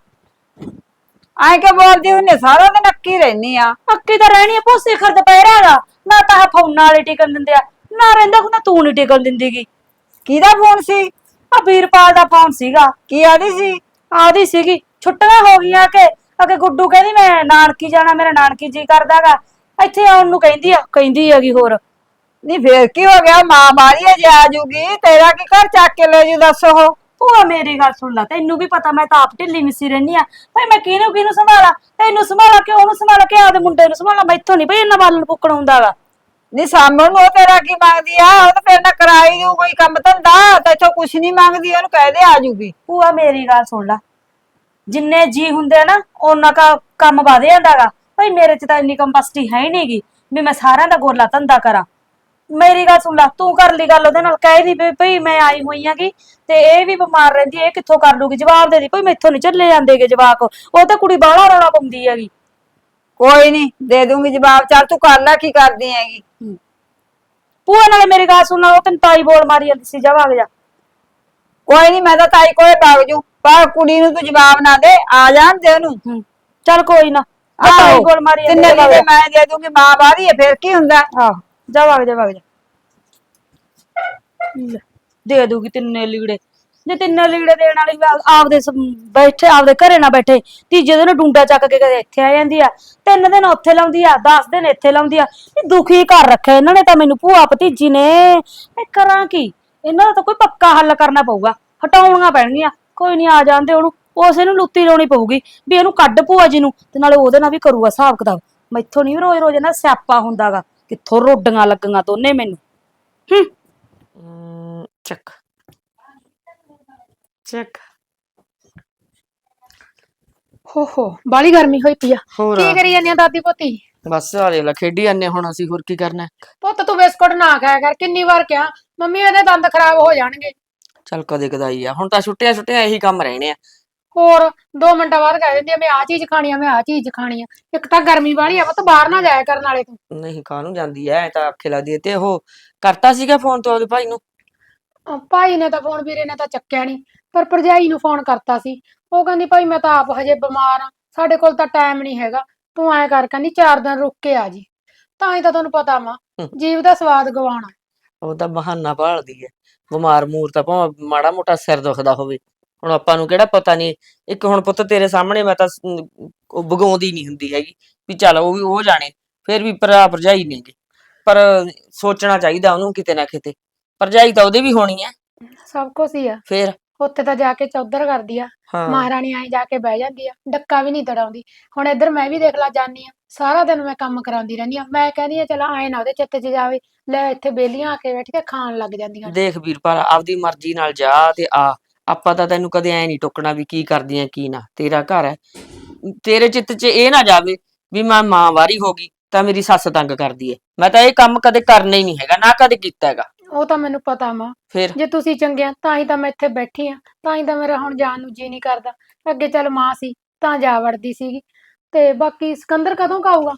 ਐ ਕਿ ਬੋਲਦੀ ਹੁੰਨੇ, ਸਾਰਾ ਦਿਨ ਅੱਕੀ ਰਹਿਨੀ ਆ। ਅੱਕੀ ਤਾਂ ਰਹਿਣੀ ਆ ਭੂਆ, ਸਿਖਰ ਦੁਪਹਿਰਾ ਹੈਗਾ। ਨਾ ਤਾਂ ਫੋਨਾਂ ਵਾਲੇ ਟਿਕਣ ਦਿੰਦੇ ਆ, ਨਾ ਰਹਿੰਦਾ ਹੁੰਦਾ ਤੂੰ ਨੀ ਟਿਕਣ ਦਿੰਦੀਗੀ। ਕਿਹਦਾ ਫੋਨ ਸੀ? ਆ ਵੀਰਪਾਲ ਦਾ ਫੋਨ ਸੀਗਾ। ਕੀ ਆਦੀ ਸੀ? ਆਦੀ ਸੀਗੀ ਛੁੱਟੀਆਂ ਹੋ ਗਈਆਂ ਕਿ ਅਗੇ ਗੁੱਡੂ ਕਹਿੰਦੀ ਮੈਂ ਨਾਨਕੀ ਜਾਣਾ, ਮੇਰਾ ਨਾਨਕੀ ਜੀ ਕਰਦਾਗਾ, ਇੱਥੇ ਆਉਣ ਨੂੰ ਕਹਿੰਦੀ ਹੈਗੀ। ਹੋਰ ਨਹੀਂ ਫੇਰ ਕੀ ਹੋ ਗਿਆ? ਮਾਂ ਮਾਰੀ ਜੇ ਆ ਜੂਗੀ, ਤੇਰਾ ਕੀ ਘਰ ਚੱਕ ਕੇ ਲੈ ਜੂ? ਦੱਸ। ਉਹ ਭੂਆ ਮੇਰੀ ਗੱਲ ਸੁਣ ਲੈ, ਤੈਨੂੰ ਵੀ ਪਤਾ ਮੈਂ ਤਾਂ ਆਪ ਢਿੱਲੀ ਮਿੱਸੀ ਰਹਿਨੀ ਆ। ਭਾਈ ਮੈਂ ਕਿਹਨੂੰ ਸੰਭਾਲਾਂ? ਤੈਨੂੰ ਸੰਭਾਲਾਂ ਕਿ ਉਹਨੂੰ ਸੰਭਾਲਾਂ ਕਿ ਆਪਦੇ ਮੁੰਡੇ ਨੂੰ ਸੰਭਾਲਾਂ? ਮੈਥੋਂ ਨਹੀਂ ਭਾਈ ਇੰਨਾ ਬਾਲਣ ਫੁੱਕਣ ਹੁੰਦਾਗਾ। ਨਹੀਂ ਸਾਹਮਣ ਨੂੰ ਉਹ ਤੇਰਾ ਕੀ ਮੰਗਦੀ ਆ? ਉਹ ਤਾਂ ਫੇਰ ਨਾ ਕਰਾਈ ਜੂ ਕੋਈ ਕੰਮ ਧੰਦਾ, ਤੇ ਇੱਥੋਂ ਕੁਛ ਨਹੀਂ ਮੰਗਦੀ, ਉਹਨੂੰ ਕਹਿ ਦੇ ਆ ਜੂਗੀ। ਭੂਆ ਮੇਰੀ ਗੱਲ ਸੁਣ ਲੈ, ਜਿੰਨੇ ਜੀ ਹੁੰਦੇ ਆ ਨਾ ਉਹਨਾਂ ਦਾ ਕੰਮ ਵਧ ਜਾਂਦਾਗਾ। ਭਾਈ ਮੇਰੇ ਚ ਤਾਂ ਇੰਨੀ ਕੰਪੈਸਿਟੀ ਹੈ ਹੀ ਨਹੀਂਗੀ ਵੀ ਮੈਂ ਸਾਰਿਆਂ ਦਾ ਗੋਲਾ ਧੰਦਾ ਕਰਾਂ। ਮੇਰੀ ਗੱਲ ਸੁਣ ਲੈ, ਤੂੰ ਕਰ ਲਈ ਗੱਲ ਉਹਦੇ ਨਾਲ, ਕਹਿ ਦੀ ਭਈ ਮੈਂ ਆਈ ਹੋਈ ਆਂਗੀ ਤੇ ਇਹ ਵੀ ਬਿਮਾਰ ਰਹਿੰਦੀ, ਇਹ ਕਿੱਥੋਂ ਕਰ ਲੂਗੀ? ਜਵਾਬ ਦੇ ਦੀ ਭਈ ਮੈਥੋਂ ਨਹੀਂ ਚੱਲੇ ਜਾਂਦੇਗੇ ਜਵਾਕ, ਉਹ ਤਾਂ ਕੁੜੀ ਬਾਹਲਾ ਰੌਲਾ ਪਾਉਂਦੀ ਹੈਗੀ। ਕੋਈ ਨਹੀਂ, ਦੇ ਦੂੰਗੀ ਜਵਾਬ। ਚੱਲ ਤੂੰ ਕਰ ਲੈ, ਕੀ ਕਰਦੀ ਹੈਗੀ? ਭੂਆ ਨਾਲੇ ਮੇਰੀ ਗੱਲ ਸੁਣ, ਉਹ ਤੈਨੂੰ ਤਾਈ ਬੋਲ ਮਾਰੀ ਜਾਂਦੀ ਸੀ, ਜਾ ਵਗ ਜਾ। ਕੋਈ ਨਹੀਂ, ਮੈਂ ਤਾਂ ਤਾਈ ਕੋਲੇ ਵਗ ਜੂ, ਪਰ ਕੁੜੀ ਨੂੰ ਤੂੰ ਜਵਾਬ ਨਾ ਦੇ, ਆ ਜਾਣ ਦੇ ਉਹਨੂੰ। ਚੱਲ ਕੋਈ ਨਾ, ਆਹੋ ਗੋਲ ਮਾਰੀ ਜਾਂਦੇ ਤਿੰਨੇ ਨੇ ਲੀੜੇ ਮੈਂ ਦੇ ਦੂੰਗੀ ਮਾਂ ਬਾਹਰੀ ਹੈ ਫਿਰ ਕੀ ਹੁੰਦਾ ਆਹ ਜਾ ਵਗ ਜਾ ਵਗ ਜਾ ਲੈ, ਦੇ ਦੂਗੀ ਤਿੰਨੇ ਲੀੜੇ ਜੇ ਤਿੰਨੇ ਲੀੜੇ ਦੇਣ ਵਾਲੀ ਆਪਦੇ ਬੈਠੇ ਆਪਦੇ ਘਰੇ ਨਾ ਬੈਠੇ ਤੀਜੇ ਦਿਨ ਡੂੰਡਾ ਚੱਕ ਕੇ ਕਦੇ ਇੱਥੇ ਆ ਜਾਂਦੀ ਆ 3 ਦਿਨ ਉੱਥੇ ਲਾਉਂਦੀ ਆ 10 ਦਿਨ ਇੱਥੇ ਲਾਉਂਦੀ ਆ ਇਹ ਦੁਖੀ ਕਰ ਰੱਖਿਆ ਇਹਨਾਂ ਨੇ ਤਾਂ ਮੈਨੂੰ ਭੂਆ ਭਤੀਜੀ ਨੇ ਇਹ ਕਰਾਂ ਕੀ ਇਹਨਾਂ ਦਾ ਤਾਂ ਕੋਈ ਪੱਕਾ ਹੱਲ ਕਰਨਾ ਪਊਗਾ ਹਟਾਉਣੀਆਂ ਪੈਣਗੀਆਂ ਕੋਈ ਨਹੀਂ ਆ ਜਾਂਦੇ ਉਹਨੂੰ ਉਸੇ ਨੂੰ ਲੁੱਤੀ ਲਾਉਣੀ ਪਊਗੀ ਵੀ ਇਹਨੂੰ ਕੱਢ ਭੂਆ ਜੀ ਨੂੰ ਤੇ ਨਾਲੇ ਉਹਦੇ ਨਾਲ ਵੀ ਕਰੂਗਾ ਹਿਸਾਬ ਕਿਤਾਬ ਮੈਥੋਂ ਨਹੀਂ ਰੋਜ਼ ਰੋਜ਼ ਨਾ ਸਿਆਪਾ ਹੁੰਦਾਗਾ ਕਿੱਥੋਂ ਰੋਡੀਆਂ ਲੱਗੀਆਂ ਦੋਨੇ ਮੈਨੂੰ ਚੱਕ ਚੱਕ ਹੋ ਬਾਲੀ ਗਰਮੀ ਹੋਈ ਪਈ ਆ ਹੋਰ ਕੀ ਕਰੀ ਜਾਂਦੀ ਆ ਦਾਦੀ ਪੋਤੀ ਬਸ ਆ ਦੇਖ ਲੈ ਖੇਡੀ ਜਾਂਦੇ ਹੁਣ ਅਸੀਂ ਹੋਰ ਕੀ ਕਰਨਾ ਹੈ? ਪੁੱਤ ਤੂੰ ਬਿਸਕੁਟ ਨਾ ਖਾਇਆ ਕਰ ਕਿੰਨੀ ਵਾਰ ਕਿਹਾ ਮੰਮੀ ਇਹਦੇ ਦੰਦ ਖਰਾਬ ਹੋ ਜਾਣਗੇ ਚੱਲ ਕਦੇ ਕਦਾਈ ਆ ਹੁਣ ਤਾਂ ਛੁੱਟੀਆਂ ਛੁੱਟੀਆਂ ਇਹੀ ਕੰਮ ਰਹਿਣੇ ਆ ਹੋਰ 2 ਮਿੰਟਾਂ ਬਾਅਦ ਕਹਿ ਦਿੰਦੀ ਆ ਮੈਂ ਆ ਚੀਜ਼ ਖਾਣੀ ਆ ਮੈਂ ਆ ਚੀਜ਼ ਖਾਣੀ ਆ ਇੱਕ ਤਾਂ ਗਰਮੀ ਵਾਲੀ ਆ ਪੁੱਤ ਬਾਹਰ ਨਾ ਜਾਇਆ ਕਰਨ ਵਾਲੇ ਤੂੰ ਨਹੀਂ ਕਾਹਨੂੰ ਜਾਂਦੀ ਐ ਐਂ ਤਾਂ ਆਖੇ ਲੱਗਦੀ ਐ ਤੇ ਉਹ ਕਰਤਾ ਸੀਗਾ ਫੋਨ ਤੋਂ ਉਹਦੇ ਭਾਈ ਨੂੰ ਭਾਈ ਨੇ ਤਾਂ ਫੋਨ ਵੀਰੇ ਨੇ ਤਾਂ ਚੱਕਿਆ ਨਹੀਂ ਪਰ ਭਰਜਾਈ ਨੂੰ ਫੋਨ ਕਰਤਾ ਸੀ ਉਹ ਕਹਿੰਦੀ ਭਾਈ ਮੈਂ ਤਾਂ ਆਪ ਹਜੇ ਬਿਮਾਰ ਆ ਸਾਡੇ ਕੋਲ ਤਾਂ ਟਾਈਮ ਨਹੀਂ ਹੈਗਾ ਤੂੰ ਐਂ ਕਰ ਕਹਿੰਦੀ 4 ਦਿਨ ਰੁਕ ਕੇ ਆ ਜੀ ਤਾਂ ਹੀ ਤਾਂ ਤੁਹਾਨੂੰ ਪਤਾ ਵਾ ਜੀਵ ਦਾ ਸਵਾਦ ਗਵਾਉਣਾ ਉਹ ਤਾਂ ਬਹਾਨਾ ਭਾਲਦੀ ਐ ਬਿਮਾਰ ਮੂਰ ਤਾਂ ਭਾਵੇਂ ਮਾੜਾ ਮੋਟਾ ਸਿਰ ਦੁਖਦਾ ਹੋਵੇ ਹੁਣ ਆਪਾਂ ਨੂੰ ਕਿਹੜਾ ਪਤਾ ਨਹੀਂ ਇੱਕ ਹੁਣ ਪੁੱਤ ਤੇਰੇ ਸਾਹਮਣੇ ਮੈਂ ਤਾਂ ਉਹ ਬਗਾਉਂਦੀ ਨਹੀਂ ਹੁੰਦੀ ਹੈਗੀ ਵੀ ਚੱਲ ਉਹ ਵੀ ਉਹ ਜਾਣੇ ਫਿਰ ਵੀ ਭਰਾ ਭਰਜਾਈ ਨੇਗੇ ਪਰ ਸੋਚਣਾ ਚਾਹੀਦਾ ਉਹਨੂੰ ਕਿਤੇ ਨਾ ਕਿਤੇ ਭਰਜਾਈ ਤਾਂ ਉਹਦੇ ਵੀ ਹੋਣੀ ਐ ਸਭ ਕੁਝ ਹੀ ਆ ਫਿਰ ਉੱਥੇ ਤਾਂ ਜਾ ਕੇ ਚੌਧਰ ਕਰਦੀ ਆ ਹਾਂ ਮਹਾਰਾਣੀ ਆਈ ਜਾ ਕੇ ਬਹਿ ਜਾਂਦੀ ਆ ਡੱਕਾ ਵੀ ਨਹੀਂ ਤੜਾਉਂਦੀ ਹੁਣ ਇੱਧਰ ਮੈਂ ਵੀ ਦੇਖ ਲਾ ਜਾਨੀ ਆ ਸਾਰਾ ਦਿਨ ਮੈਂ ਕੰਮ ਕਰਾਉਂਦੀ ਰਹਿੰਦੀ ਆ ਮੈਂ ਕਹਿੰਦੀ ਆ ਚਲ ਆਏ ਨਾ ਉਹਦੇ ਚਿੱਤ 'ਚ ਜਾਵੇ ਲੈ ਇੱਥੇ ਬੇਲੀਆਂ ਆ ਕੇ ਬੈਠ ਕੇ ਖਾਣ ਲੱਗ ਜਾਂਦੀਆਂ ਦੇਖ ਵੀਰਪਾਲ ਆਪਦੀ ਮਰਜ਼ੀ ਨਾਲ ਜਾ ਤੇ ਆ ਆਪਾਂ ਤਾਂ ਤੈਨੂੰ ਕਦੇ ਐ ਨਹੀਂ ਟੋਕਣਾ ਵੀ ਕੀ ਕਰਦੀ ਐ ਕੀ ਨਾ ਤੇਰਾ ਘਰ ਹੈ ਤੇਰੇ ਚਿੱਤ 'ਚ ਇਹ ਨਾ ਜਾਵੇ ਵੀ ਮੈਂ ਮਾਂ ਵਾਰੀ ਹੋ ਗਈ ਤਾਂ ਮੇਰੀ ਸੱਸ ਤੰਗ ਕਰਦੀ ਐ ਮੈਂ ਤਾਂ ਇਹ ਕੰਮ ਕਦੇ ਕਰਨਾ ਹੀ ਨਹੀਂ ਹੈਗਾ ਨਾ ਕਦੇ ਕੀਤਾ ਹੈਗਾ ਉਹ ਤਾਂ ਮੈਨੂੰ ਪਤਾ ਵਾ ਫਿਰ ਜੇ ਤੁਸੀਂ ਚੰਗੇ ਆ ਤਾਂ ਹੀ ਤਾਂ ਮੈਂ ਇੱਥੇ ਬੈਠੀ ਆ ਤਾਂ ਹੀ ਤਾਂ ਮੇਰਾ ਹੁਣ ਜਾਣ ਨੂੰ ਜੀ ਨਹੀਂ ਕਰਦਾ ਅੱਗੇ ਚੱਲ ਮਾਂ ਸੀ ਤਾਂ ਜਾ ਵੜਦੀ ਸੀਗੀ ਤੇ ਬਾਕੀ ਸਿਕੰਦਰ ਕਦੋਂ ਕਾਊਗਾ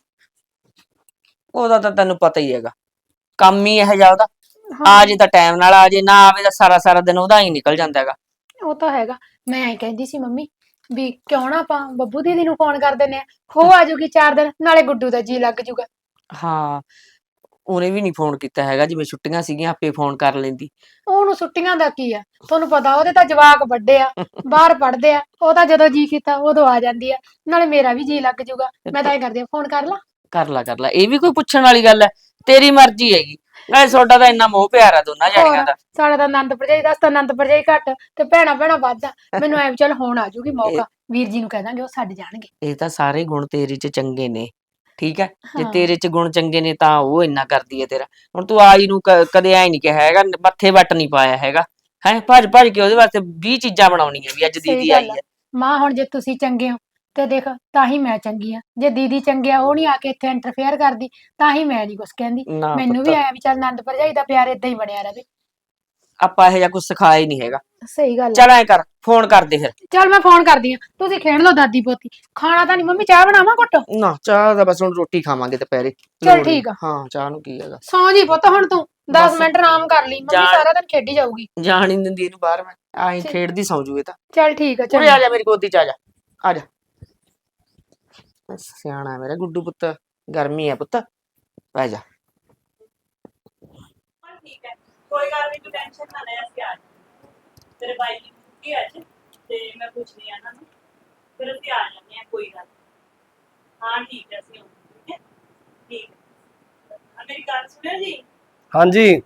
ਉਹਦਾ ਤਾਂ ਤੈਨੂੰ ਪਤਾ ਹੀ ਹੈਗਾ ਕੰਮ ਹੀ ਇਹੋ ਜਿਹਾ ਉਹਦਾ ਹਾਂ ਆ ਜੇ ਤਾਂ ਟਾਈਮ ਨਾਲ ਆ ਜੇ ਨਾ ਆਵੇ ਤਾਂ ਸਾਰਾ ਸਾਰਾ ਦਿਨ ਉਹਦਾ ਹੀ ਨਿਕਲ ਜਾਂਦਾ ਹੈਗਾ ਉਹ ਤਾਂ ਹੈਗਾ ਮੈਂ ਐਂ ਕਹਿੰਦੀ ਸੀ ਮੰਮੀ ਵੀ ਕਿਉਂ ਨਾ ਆਪਾਂ ਬੱਬੂ ਦੀਦੀ ਨੂੰ ਫੋਨ ਕਰ ਦਿੰਨੇ ਆ ਉਹ ਆ ਜਾਊਗੀ 4 ਦਿਨ ਨਾਲੇ ਗੁੱਡੂ ਦਾ ਜੀ ਲੱਗ ਜਾਊਗਾ ਹਾਂ ਉਹਨੇ ਵੀ ਨਹੀਂ ਫੋਨ ਕੀਤਾ ਹੈਗਾ ਜਿਵੇਂ ਛੁੱਟੀਆਂ ਸੀਗੀਆਂ ਆਪੇ ਫੋਨ ਕਰ ਲੈਂਦੀ ਉਹਨੂੰ ਛੁੱਟੀਆਂ ਦਾ ਕੀ ਆ ਤੁਹਾਨੂੰ ਪਤਾ ਉਹਦੇ ਤਾਂ ਜਵਾਕ ਵੱਡੇ ਆ ਬਾਹਰ ਪੜਦੇ ਆ ਉਹ ਤਾਂ ਜਦੋਂ ਜੀ ਕੀਤਾ ਉਦੋਂ ਆ ਜਾਂਦੀ ਆ ਨਾਲੇ ਮੇਰਾ ਵੀ ਜੀ ਲੱਗ ਜਾਊਗਾ ਮੈਂ ਤਾਂ ਇਹ ਕਰਦੀ ਆ ਫੋਨ ਕਰ ਲਾ ਕਰ ਲਾ ਇਹ ਵੀ ਕੋਈ ਪੁੱਛਣ ਵਾਲੀ ਗੱਲ ਹੈ ਤੇਰੀ ਮਰਜ਼ੀ ਹੈਗੀ ਨਾਲੇ ਤੁਹਾਡਾ ਤਾਂ ਇੰਨਾ ਮੋਹ ਪਿਆਰ ਆ ਦੋਨਾਂ ਜਾਣੀਆਂ ਦਾ ਸਾਡਾ ਤਾਂ ਆਨੰਦ ਭਰਜਾਈ ਦਾ ਤਾਂ ਆਨੰਦ ਭਰਜਾਈ ਘੱਟ ਤੇ ਭੈਣਾ ਭੈਣਾ ਵੱਧ ਆ ਮੈਨੂੰ ਐ ਚੱਲ ਹੁਣ ਆ ਜਾਊਗੀ ਮੌਕਾ ਵੀਰ ਜੀ ਨੂੰ ਕਹਿ ਦਾਂਗੇ ਉਹ ਛੱਡ ਜਾਣਗੇ ਇਹ ਤਾਂ ਸਾਰੇ ਗੁਣ ਤੇਰੇ 'ਚ ਚੰਗੇ ਨੇ ਠੀਕ ਹੈ ਜੇ ਹਾਂ। ਤੇਰੇ 'ਚ ਗੁਣ ਚੰਗੇ ਨੇ ਤਾਂ ਉਹ ਇੰਨਾ ਕਰਦੀ ਹੈ ਤੇਰਾ ਹੁਣ ਤੂੰ ਆਈ ਨੂੰ ਕਦੇ ਐ ਨਹੀਂ ਕਿਹਾ ਹੈਗਾ ਮੱਥੇ ਵੱਟ ਨਹੀਂ ਪਾਇਆ ਹੈਗਾ ਹੈ ਭੱਜ ਭੱਜ ਕੇ ਉਹਦੇ ਵਾਸਤੇ 20 ਚੀਜ਼ਾਂ ਬਣਾਉਣੀਆਂ ਵੀ ਅੱਜ ਸਹੀ ਦੀਦੀ ਗੱਲ ਆਈ ਹੈ ਮਾਂ ਹੁਣ ਜੇ ਤੁਸੀਂ ਚੰਗੇ ਹੋ ਤੇ ਦੇਖ ਤਾਂ ਹੀ ਮੈਂ ਚੰਗੀ ਆ ਜੇ ਦੀਦੀ ਚੰਗੇ ਆ ਉਹ ਨਹੀਂ ਆ ਕੇ ਇੱਥੇ ਇੰਟਰਫੇਅਰ ਕਰਦੀ ਤਾਂ ਹੀ ਮੈਂ ਨਹੀਂ ਕੁਛ ਕਹਿੰਦੀ ਨਾ ਮੈਨੂੰ ਵੀ ਪੁੱਤ, ਆਇਆ ਵੀ ਚੱਲ ਆਨੰਦ ਭਰਜਾਈ ਦਾ ਪਿਆਰ ਇਦਾਂ ਹੀ ਬਣਿਆ ਰਵੇ ਆਪਾਂ ਇਹੋ ਜਿਹਾ ਕੁਝ ਸਿਖਾਇਆ ਹੀ ਨਹੀਂ ਹੈਗਾ ਸਹੀ ਗੱਲ ਆ ਚੱਲ ਐ ਕਰ ਫੋਨ ਕਰ ਦੇ ਫਿਰ ਚੱਲ ਮੈਂ ਫੋਨ ਕਰਦੀ ਆ ਤੁਸੀਂ ਖੇਡ ਲਓ ਦਾਦੀ ਪੋਤੀ ਖਾਣਾ ਤਾਂ ਨਹੀਂ ਮੰਮੀ ਚਾਹ ਬਣਾਵਾਂ ਘੁੱਟ ਨਾ ਚਾਹ ਦਾ ਬਸ ਹੁਣ ਰੋਟੀ ਖਾਵਾਂਗੇ ਦੁਪਹਿਰੇ ਚੱਲ ਲੋੜ ਨੀ। ਠੀਕ ਆ। ਹਾਂ ਚਾਹ ਨੂੰ ਕੀ ਹੈਗਾ ਸੌਂ ਜੀ ਪੁੱਤ ਹੁਣ ਤੂੰ 10 ਬਸ। ਮਿੰਟ ਆਰਾਮ ਕਰ ਲਈ ਮੰਮੀ ਜਾਣ- ਸਾਰਾ ਦਿਨ ਖੇਡੀ ਜਾਊਗੀ ਜਾਣ ਹੀ ਨੀ ਦਿੰਦੀ ਇਹਨੂੰ ਬਾਹਰ ਮੈਂ ਆਈ ਠੀਕ। ਖੇਡਦੀ ਸੌਂ ਜੂ ਇਹ ਤਾਂ ਚੱਲ ਠੀਕ ਆ ਉਰੇ ਚੱਲ ਆ ਜਾ ਮੇਰੀ ਗੋਦੀ ਚ ਆ ਜਾ ਸਿਆਣਾ ਮੇਰਾ ਗੁੱਡੂ ਪੁੱਤ ਗਰਮੀ ਹੈ ਪੁੱਤ ਬਹਿ ਜਾ ਠੀਕ ਹੈ ਕੋਈ ਗੱਲ ਨਹੀਂ ਤੂੰ ਟੈਨਸ਼ਨ ਨਾ ਲੈ ਅਸੀਂ ਆ ਜਾਵਾਂਗੇ ਤੇਰੇ ਬਾਈ ਦੀ ਛੁੱਟੀ ਅੱਜ ਤੇ ਮੈਂ ਪੁੱਛਦੀ ਆ ਇਹਨਾਂ ਨੂੰ ਫਿਰ ਅਸੀਂ ਆ ਜਾਂਦੇ ਆ ਕੋਈ ਗੱਲ ਨੀ। ਹਾਂ ਠੀਕ ਹੈ ਅਸੀਂ ਆਉਂਦੇ ਹਾਂ ਠੀਕ ਹੈ ਆ ਮੇਰੀ ਗੱਲ ਸੁਣਿਓ ਜੀ ਹਾਂਜੀ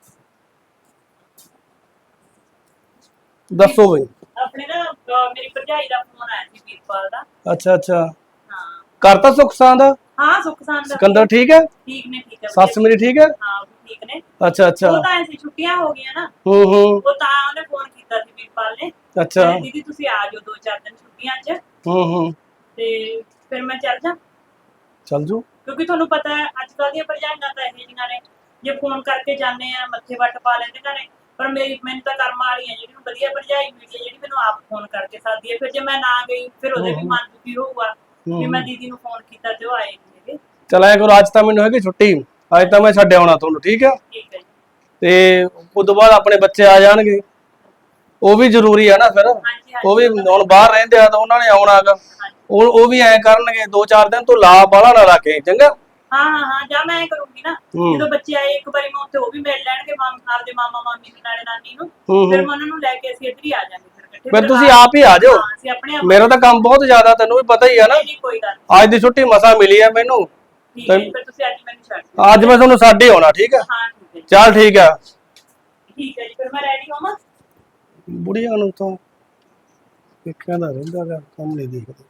ਦੱਸੋ ਬਈ ਆਪਣੇ ਨਾ ਮੇਰੀ ਭਰਜਾਈ ਦਾ ਫੋਨ ਆਇਆ ਸੀ ਵੀਰਪਾਲ ਦਾ ਅੱਛਾ ਅੱਛਾ ਹਾਂ ਕਰਤਾ ਸੁਖਸਾਂ ਦਾ ਹਾਂ ਸੁਖਸਾਨ ਦਾ ਸਿਕੰਦਰ ਠੀਕ ਹੈ ਠੀਕ ਨੇ ਠੀਕ ਹੈ ਸੱਸ ਮੇਰੀ ਠੀਕ ਹੈ ਹਾਂ ਉਹ ਵੀ ਠੀਕ ਨੇ ਅੱਛਾ ਅੱਛਾ ਉਹ ਤਾਂ ਐਸੀ ਛੁੱਟੀਆਂ ਹੋ ਗਈਆਂ ਨਾ ਹੂੰ ਉਹ ਤਾਂ ਉਹਨੇ ਫੋਨ ਕੀਤਾ ਸੀ ਵੀਰਪਾਲ ਨੇ ਅੱਛਾ ਕਹਿੰਦੇ ਦੀਦੀ ਤੁਸੀਂ ਆ ਜਾਓ 2-4 ਦਿਨ ਛੁੱਟੀਆਂ 'ਚ ਹੂੰ ਤੇ ਫਿਰ ਮੈਂ ਚੱਲ ਜਾ ਚੱਲ ਜੂ ਕਿਉਂਕਿ ਤੁਹਾਨੂੰ ਪਤਾ ਹੈ ਅੱਜ ਕੱਲ੍ਹ ਦੀਆਂ ਭਰਜਾਈਆਂ ਤਾਂ ਇਹੋ ਜਿਹੀਆਂ ਨੇ ਜੇ ਫੋਨ ਕਰਕੇ ਜਾਂਦੇ ਆ ਮੱਥੇ ਵੱਟ ਪਾ ਲੈਂਦੇ ਘਰੇ ਪਰ ਮੈਨੂੰ ਤਾਂ ਕਰਮ ਵਾਲੀ ਹੈ ਜਿਹੜੀ ਨੂੰ ਵਧੀਆ ਭਰਜਾਈ ਮਿਲੀ ਹੈ ਜਿਹੜੀ ਮੈਨੂੰ ਆਪ ਫੋਨ ਕਰਕੇ ਸਾਦੀ ਹੈ ਫਿਰ ਜੇ ਮੈਂ ਨਾ ਗਈ ਫਿਰ ਉਹਦੇ ਵੀ ਮਨ ਦੁਖੀ ਹੋਊਗਾ ਕਿ ਮੈਂ ਦੀਦੀ ਨੂੰ ਫੋਨ ਕੀਤਾ ਤੇ ਉਹ ਆਏ ਨਹੀਂ ਹੈਗੇ ਚਲ ਐ ਕਰੋ ਅੱਜ ਤਾਂ ਮੈਨੂੰ ਹੈਗੀ ਛੁੱਟੀ ਅੱਜ ਤਾਂ ਮੈਂ ਛੱਡ ਆਉਣਾ ਤੁਹਾਨੂੰ ਠੀਕ ਹੈ ਠੀਕ ਹੈ ਜੀ ਤੇ ਉਸ ਤੋਂ ਬਾਅਦ ਆਪਣੇ ਬੱਚੇ ਆ ਜਾਣਗੇ ਉਹ ਵੀ ਜ਼ਰੂਰੀ ਹੈ ਨਾ ਫਿਰ ਹਾਂਜੀ ਉਹ ਵੀ ਹੁਣ ਬਾਹਰ ਰਹਿੰਦੇ ਆ ਤਾਂ ਉਹਨਾਂ ਨੇ ਆਉਣਾ ਹੈਗਾ ਹਾਂਜੀ ਉਹ ਵੀ ਐ ਕਰਨਗੇ 2-4 ਦਿਨ ਤੂੰ ਲਾ ਬਾਲਾ ਨਾ ਰੱਖੇ ਚੰਗਾ। ਹਾਂ ਜਾ ਮੈਂ ਕਰੂੰਗੀ ਨਾ। ਹੂੰ। ਜਦੋਂ ਬੱਚੇ ਆਏ ਇੱਕ ਵਾਰੀ ਮੈਂ ਉੱਥੇ ਉਹ ਵੀ ਮਿਲ ਲੈਣਗੇ ਆਪਦੇ ਮਾਮਾ ਮਾਮੀ ਨੂੰ ਨਾਲੇ ਨਾਨੀ ਨੂੰ। ਹੂੰ, ਫਿਰ ਹੂੰ। ਮੈਂ ਉਹਨਾਂ ਨੂੰ ਲੈ ਕੇ ਅਸੀਂ ਇੱਧਰ ਹੀ ਆ ਜਾਾਂਗੇ ਫਿਰ ਇਕੱਠੇ। ਫਿਰ ਤੁਸੀਂ ਆਪ ਹੀ ਆ ਜਾਓ। ਹਾਂ ਅਸੀਂ ਆਪਣੇ ਆਪ ਮੇਰਾ ਤਾਂ ਕੰਮ ਬਹੁਤ ਜ਼ਿਆਦਾ ਤੈਨੂੰ ਵੀ ਪਤਾ ਹੀ ਆ ਨਾ। ਨਹੀਂ ਕੋਈ ਗੱਲ ਨੀ। ਅੱਜ ਦੀ ਛੁੱਟੀ ਮਸਾ ਮਿਲੀ ਆ ਮੈਨੂੰ। ਠੀਕ ਹੈ ਜੀ, ਫਿਰ ਤੁਸੀਂ ਅੱਜ ਮੈਨੂੰ ਛੱਡ ਦਿਓ। ਅੱਜ ਮੈਂ ਤੁਹਾਨੂੰ ਛੱਡ ਹੀ ਆਉਣਾ ਠੀਕ ਆ। ਹਾਂ ਠੀਕ ਹੈ ਜੀ। ਚੱਲ ਠੀਕ ਆ। ਠੀਕ ਹੈ ਜੀ ਫਿਰ ਮੈਂ ਰੈਡੀ ਹੋਵਾਂ। ਬੁੜੀਆਂ ਨੂੰ ਤਾਂ ਵੇਖਿਆ ਦਾ ਰਹਿੰਦਾ ਗਾ, ਕੰਮ ਨਹੀਂ ਦੇਖਦੇ।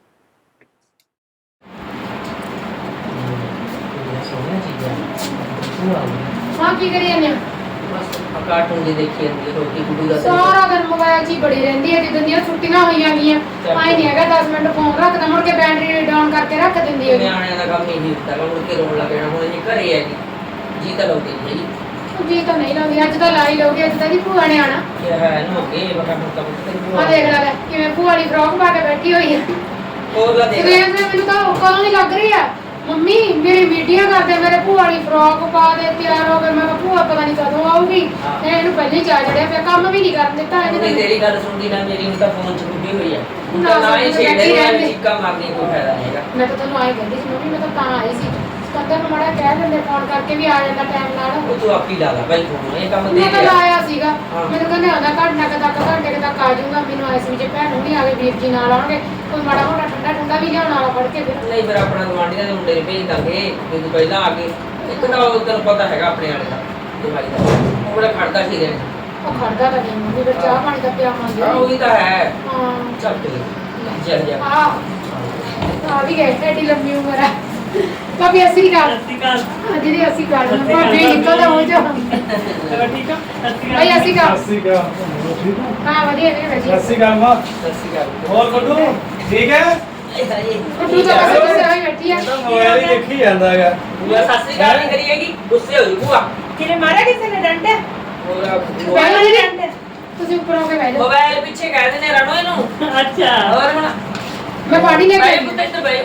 ਹਾਂ ਕੀ ਕਰੀ ਜਾਂਦੇ ਹੋ? ਕਾਰਟੂਨ ਦੀ ਦੇਖੀ ਜਾਂਦੀ ਰੋਟੀ ਕੁੜੀ ਦਾ ਸਾਰਾ ਦਿਨ ਮੋਬਾਈਲ 'ਚ ਹੀ ਬੜੀ ਰਹਿੰਦੀ ਹੈ। ਜਿੱਦਾਂ ਦੀਆਂ ਛੁੱਟੀਆਂ ਹੋਈਆਂ ਗਈਆਂ ਆਈ ਨਹੀਂ ਹੈਗਾ 10 ਮਿੰਟ ਫੋਨ ਰੱਖਦਾ ਮੁੜ ਕੇ ਬੈਟਰੀ ਡਾਊਨ ਕਰਕੇ ਰੱਖ ਦਿੰਦੀ ਹੈ। ਨਿਆਣਿਆਂ ਦਾ ਕੰਮ ਹੀ ਨਹੀਂ ਹੁੰਦਾ ਮੁੜ ਕੇ ਰੋਣ ਲੱਗ ਜਾਣਾ। ਹੁਣ ਇਹ ਘਰੇ ਹੈਗੀ ਜੀ ਤਾਂ ਲਾਉਂਦੀ ਨਹੀਂ ਹੈਗੀ। ਜੀ ਤਾਂ ਨਹੀਂ ਲਾਉਂਦੀ ਅੱਜ ਤਾਂ ਲਾ ਹੀ ਲਓਗੇ। ਅੱਜ ਤਾਂ ਦੀ ਭੂਆ ਨੇ ਆਣਾ। ਇਹ ਹੈ ਨਾ ਅੱਗੇ ਬਕਾ ਮੁੱਕਾ ਆ ਦੇਖ ਲੈ ਕਿਵੇਂ ਭੂਆ ਵਾਲੀ ਫਰੋਕ ਪਾ ਕੇ ਬੈਠੀ ਹੋਈ ਹੈ। ਹੋਰ ਲਾ ਦੇਖ ਸਵੇਰ ਦੇ ਮੈਨੂੰ ਤਾਂ ਕਦੋਂ ਨਹੀਂ ਲੱਗ ਰਹੀ ਆ ਮੰਮੀ ਮੇਰੀ ਵੀਡੀਓ ਕਰਦੇ ਮੇਰੇ ਭੂਆ ਵਾਲੀ ਫਰੋਕ ਪਾ ਦੇ ਤਿਆਰ ਹੋ ਗਏ। ਮੈਂ ਕਿਹਾ ਭੂਆ ਪਤਾ ਨਹੀਂ ਕਦੋਂ ਆਊਗੀ। ਇਹਨੂੰ ਪਹਿਲੇ ਹੀ ਚਾ ਚੜਿਆ ਪਿਆ ਕੰਮ ਵੀ ਨਹੀਂ ਕਰਨ ਦਿੱਤਾ ਨਹੀਂ ਇਹਨੇ। ਤੇਰੀ ਗੱਲ ਸੁਣਦੀ ਨਾ ਮੇਰੀ ਹੁਣ ਤਾਂ ਫੋਨ ਚ ਗੁੱਡੀ ਹੋਈ ਆ। ਹੁਣ ਨਾ ਤਾਂ ਨਾ ਹੀ ਸੁਣਦੀ ਛੇੜੇ ਬੈਠੀ ਵਾਲੀ ਰਹਿੰਦੀ। ਚੀਕਾ ਮਾਰਨੀ ਕੋਈ ਫਾਇਦਾ ਨਹੀਂ ਹੈਗਾ। ਮੈਂ ਤਾਂ ਤੁਹਾਨੂੰ ਆਏ ਕਹਿੰਦੀ ਸੀ ਮੰਮੀ ਮੈਂ ਤਾਂ ਆਈ ਸੀ ਸਕੰਦਰ ਨੂੰ ਮਾੜਾ ਕਹਿ ਦਿੰਦੇ ਫੋਨ ਕਰਕੇ ਵੀ ਆ ਜਾਂਦਾ ਟਾਈਮ ਨਾਲ। ਉਹ ਤੂੰ ਆਪੀ ਲਾ ਲਾ ਭਾਈ ਫੋਨ ਇਹ ਕੰਮ ਦੇ ਮੈਂ ਤਾਂ ਗਿਆ। ਲਾਇਆ ਸੀਗਾ ਹਾਂ। ਮੈਨੂੰ ਕਹਿੰਦੇ ਆਉਂਦਾ ਘੰਟੇ ਕੁ ਤੱਕ ਆ ਜਾਊਗਾ। ਮੈਨੂੰ ਆਏ ਸੀ ਜੇ ਭੈਣ ਨੂੰ ਨਹੀਂ ਆ ਗਏ ਵੀਰ ਜੀ ਨਾਲ ਆਉਣਗੇ ਕੋਈ ਮਾੜਾ ਮੋਟਾ ਠੰਡਾ ਠੰਡਾ ਵੀ ਲਿਆਉਣ ਵਾਲਾ ਫੜ ਕੇ ਫਿਰ। ਨਹੀਂ ਫਿਰ ਆਪਣਾ ਗਵਾਂਢੀਆਂ ਦੇ ਮੁੰਡੇ ਨੂੰ ਭੇਜ ਦਾਂਗੇ ਜੇ ਤੂੰ ਪਹਿਲਾਂ ਆ ਗਏ। ਇੱਕ ਤਾਂ ਉਹ ਤੈਨੂੰ ਪਤਾ ਹੈਗਾ ਆਪਣੇ ਵਾਲੇ ਦਾ ਦਵਾਈ ਦਾ ਉਹ ਬੜਾ ਖੜਦਾ ਸੀ ਰਹਿਣ। ਉਹ ਖੜਦਾ ਤਾਂ ਨਹੀਂ ਮੰਮੀ ਫਿਰ ਚਾਹ ਪਾਣੀ ਦਾ ਪਿਆ ਮੰਗਦੇ ਹਾਂ ਉਹੀ ਤਾਂ ਹੈ। ਹਾਂ ਚੱਲ ਤੇ ਚੱਲ ਜਾ। ਆ ਵੀ ਗਏ ਐਡੀ ਲੰਮੀ ਉਮਰ ਆ। ਭਾਬੀ ਅਸੀਂ ਗੱਲ ਜਿਹੜੀ ਅਸੀਂ ਗੱਲ ਭਾਬੀ ਨਿਕਲਦਾ ਹੋ ਜਾ ਠੀਕ ਆ ਭਾਈ ਅਸੀਂ ਗੱਲ ਸਤਿ ਸ਼੍ਰੀ ਅਕਾਲ। ਠੀਕ ਹੋ? ਹਾਂ ਵਧੀਆ ਨੇ ਭਾਜੀ ਸਤਿ ਸ਼੍ਰੀ ਅਕਾਲ ਮਾਂ। ਸਤਿ ਸ਼੍ਰੀ ਅਕਾਲ। ਹੋਰ ਗੁੱਡੂ ਠੀਕ ਹੈ? ਤੂੰ ਤਾਂ ਬਸ ਕਿਸੇ ਹੋਈ ਬੈਠੀ ਆ। ਤਾਂ ਮੋਬਾਈਲ ਹੀ ਦੇਖੀ ਜਾਂਦਾ ਹੈਗਾ। ਬੂਆ ਸਤਿ ਸ਼੍ਰੀ ਅਕਾਲ ਨਹੀਂ ਕਰੀ ਹੈਗੀ ਗੁੱਸੇ ਹੋ ਜੀ ਬੂਆ। ਕਿਨੇ ਮਾਰਿਆ ਕਿਸੇ ਨੇ ਡੰਡੇ? ਹੋਰ ਪਹਿਲਾਂ ਨਹੀਂ ਰਹਿੰਦੇ ਤੁਸੀਂ ਉੱਪਰ ਹੋ ਕੇ ਬਹਿ ਜਾਓ। ਮੋਬਾਈਲ ਪਿੱਛੇ ਕਹਿ ਦਿੰਦੇ ਰਣੋ ਇਹਨੂੰ। ਅੱਛਾ ਹੋਰ ਹੁਣ ਮੈਂ ਪਾਣੀ ਲੈ ਕੇ ਬਾਈ ਆਈ। ਪੁੱਤ ਇੱਧਰ ਬਾਈ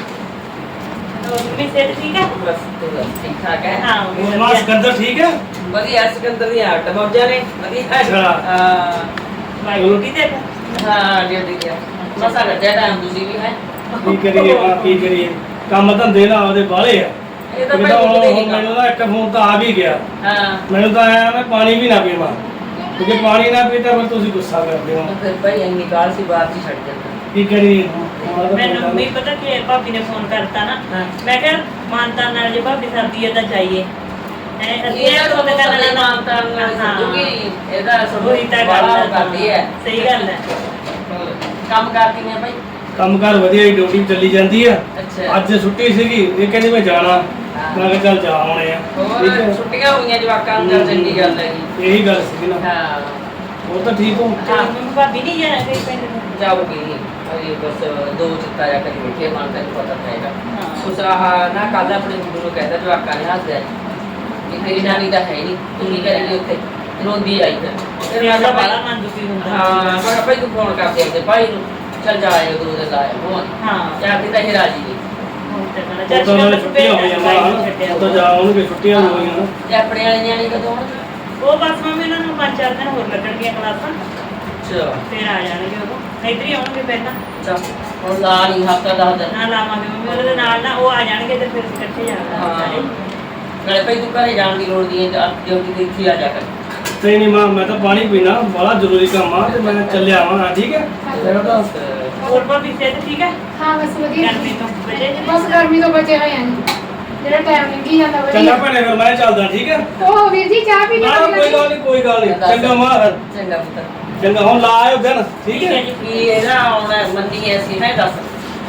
ਮੰਮੀ ਸਿਹਤ ਠੀਕ ਆ? ਬਸ ਤੂੰ ਦੱਸ ਠੀਕ ਠਾਕ ਹੈ। ਹਾਂ ਹੋਰ ਮਾਂ ਸਿਕੰਦਰ ਠੀਕ ਹੈ? ਵਧੀਆ ਸਿਕੰਦਰ ਦੀ ਹੱਟ ਮੌਜਾਂ ਨੇ ਵਧੀਆ। ਅੱਛਾ। ਹਾਂ ਵਾਹਿਗੁਰੂ ਦੇ ਹਾਂ ਡਿਊਟੀ ਗਿਆ ਮਸਾ ਕੱਢਿਆ ਟਾਈਮ ਤੁਸੀਂ ਵੀ ਹੈ। ਕੀ ਕਰੀਏ ਮਾਂ ਕੀ ਕਰੀਏ ਕੰਮ ਧੰਦੇ ਨਾ ਉਹਦੇ ਬਾਹਲੇ ਆ। ਇਹ ਤਾਂ ਮੈਨੂੰ ਭਾਈ ਤਾਂ ਕਿਤੇ ਨਹੀਂ ਮੈਨੂੰ ਤਾਂ ਇੱਕ ਫੋਨ ਤਾਂ ਆ ਵੀ ਗਿਆ। ਹਾਂ ਮੈਨੂੰ ਤਾਂ ਆਇਆ ਮੈਂ ਪਾਣੀ ਵੀ ਨਾ ਪੀਵਾਂ ਕਿਉਂਕਿ ਪਾਣੀ ਨਾ ਪੀਤਾ ਫਿਰ ਤੁਸੀਂ ਗੁੱਸਾ ਕਰਦੇ ਹੋ। ਫਿਰ ਭਾਈ ਇੰਨੀ ਕਾਲ ਸੀ ਬਾਅਦ ਚ ਛੱਡ ਜਾਂਦਾ। ਕੀ ਕਰੀਏ ਮੈਨੂੰ ਵੀ ਪਤਾ ਕਿ ਭਾਬੀ ਨੇ ਫੋਨ ਕਰਤਾ ਨਾ। ਹਾਂ। ਮੈਂ ਕਿਹਾ ਮਾਨਤਾ ਨਾਲ ਜੇ ਭਾਬੀ ਸਰਦੀ ਹੈ ਤਾਂ ਜਾਈਏ। ਇਹ ਤਾਂ ਉਹਦੇ ਨਾਲ ਮਾਨਤਾ ਨਾਲ ਕਿਉਂਕਿ ਇਹਦਾ ਉਹੀ ਤਾਂ ਬੜਾ ਗੱਲ ਕਰਦੀ ਹੈ। ਸਹੀ ਗੱਲ ਹੈ। ਕੰਮ ਕਰਦੀ ਹੈ ਭਾਈ। ਕੰਮਕਾਰ ਵਧੀਆ ਹੀ ਡਿਊਟੀ ਚੱਲੀ ਜਾਂਦੀ ਆ। ਅੱਛਾ ਅੱਜ ਛੁੱਟੀ ਸੀਗੀ ਇਹ ਕਹਿੰਦੀ ਮੈਂ ਜਾਣਾ। ਮੈਂ ਕਿਹਾ ਚੱਲ ਜਾ ਆਉਣੇ ਆ। ਹੋਰ ਠੀਕ ਹੈ? ਛੁੱਟੀਆਂ ਹੋਈਆਂ ਜਵਾਕਾਂ ਨੂੰ ਚੱਲ ਚੰਗੀ ਗੱਲ ਹੈਗੀ। ਇਹੀ ਗੱਲ ਸੀ ਨਾ। ਹਾਂ ਹੋਰ ਤਾਂ ਠੀਕ ਹੋ? ਹਾਂ ਮੰਮੀ ਭਾਬੀ ਨਹੀਂ ਜਾਣਾ ਕੋਈ ਪਿੰਡ ਨੂੰ। ਜਾਊਗੀ ਅਰੇ ਬਸ ਦੋ ਚਿੱਤਾ ਜਾ ਕੇ ਬੈਠੇ ਮਨ ਤੈਨੂੰ ਪਤਾ ਪਏਗਾ। ਹਾਂ। ਉਸ ਆਹ ਨਾ ਕੱਲ ਆਪਣੇ ਮੁੰਡੇ ਨੂੰ ਕਹਿੰਦਾ ਜਵਾਕਾਂ ਨੇ ਹੱਸਦਾ ਕਿ ਤੇਰੀ ਨਾਨੀ ਤਾਂ ਹੈ ਨਹੀਂ ਤੂੰ ਕੀ ਕਰੇਗੀ ਉੱਥੇ ਰੋਂਦੀ ਆਈ ਫਿਰ ਮੈਂ ਕਿਹਾ ਬੜਾ ਭਾਈ ਮਨ ਦੁਖੀ ਹੁੰਦਾ। ਹਾਂ ਮੈਂ ਕਿਹਾ ਭਾਈ ਤੂੰ ਫੋਨ ਕਰ ਦੇ ਆਪਣੇ ਭਾਈ ਨੂੰ ਚੱਲ ਜਾਏ ਦੋ ਦਿਨ ਲਾਇਆ ਹੋ ਹਾਂ ਜਾਂ ਕਿ ਤਾਂ ਇਹ ਰਾਜੀ ਨਹੀਂ ਹੁਣ ਤੇ ਕਹਿਣਾ ਉਹ ਤਾਂ ਚੱਲ ਉਹਨਾਂ ਛੁੱਟੀਆਂ ਹੋਈਆਂ ਮਾਂ ਉਹ ਤਾਂ ਜਾ ਆਉਣਗੇ ਛੁੱਟੀਆਂ ਹੋਈਆਂ ਨਾ। ਤੇ ਆਪਣੇ ਵਾਲੇ ਨਿਆਣੇ ਕਦੋਂ ਆਉਣਗੇ? ਉਹ ਬਸ ਮੰਮੀ ਉਹਨਾਂ ਨੂੰ 5-4 ਦਿਨ ਹੋਰ ਲੱਗਣਗੀਆਂ ਕਲਾਸਾਂ ਅੱਛਾ ਫਿਰ ਆ ਜਾਣਗੇ ਉਹ ਇੱਧਰ ਹੀ ਆਉਣਗੇ ਪਹਿਲਾਂ। ਚੱਲ ਹੁਣ ਲਾ ਨਹੀਂ ਹਫਤਾ 10 ਦਿਨ ਨਾ ਲਾਵਾਂਗੇ ਮੰਮੀ ਉਹਦੇ ਨਾਲ ਨਾ ਉਹ ਆ ਜਾਣਗੇ ਤੇ ਫਿਰ ਅਸੀਂ ਇਕੱਠੇ ਜਾਵਾਂਗੇ ਸਾਰੇ। ਨਾਲੇ ਭਾਈ ਤੂੰ ਘਰੇ ਜਾਣ ਦੀ ਲੋੜ ਨਹੀਂ ਹੈ ਡਿਊਟੀ ਤੇ ਇੱਥੇ ਆ ਜਾ ਕਰ। ਨਹੀਂ ਨਹੀਂ ਮਾਂ ਮੈਂ ਤਾਂ ਪਾਣੀ ਪੀਣਾ ਬੜਾ ਜ਼ਰੂਰੀ ਕੰਮ ਆ ਤੇ ਮੈਂ ਚੱਲਿਆ ਆਵਾਂ ਠੀਕ ਹੈ? ਮੇਰਾ ਤਾਂ ਹੋਰ ਭਾਬੀ ਸਿਹਤ ਠੀਕ ਹੈ? ਹਾਂ ਬਸ ਵਧੀਆ ਗਰਮੀ ਤੋਂ ਬਚੇ ਜੀ? ਬਸ ਗਰਮੀ ਤੋਂ ਬਚੇ ਹੋਏ ਆਂ ਜਿਹੜਾ ਟਾਈਮ ਲੰਘੀ ਜਾਂਦਾ ਚੰਗਾ ਵਧੀਆ। ਭੈਣੇ ਫਿਰ ਮੈਂ ਚੱਲਦਾ ਠੀਕ ਹੈ? ਉਹ ਵੀਰ ਜੀ ਚਾਹ ਪੀ ਨਾ ਲਈ ਕੋਈ ਗੱਲ ਨਹੀਂ ਕੋਈ ਗੱਲ ਨਹੀਂ ਚੰਗਾ ਮਾਂ ਫਿਰ ਚੰਗਾ ਪੁੱਤ ਚੰਗਾ ਹੁਣ ਲਾ ਆਇਓ ਦਿਨ ਠੀਕ ਹੈ? ਕੀ ਇਹਦਾ ਆਉਣਾ ਮੰਨੀ ਐਸੀ ਹੈ ਦੱਸ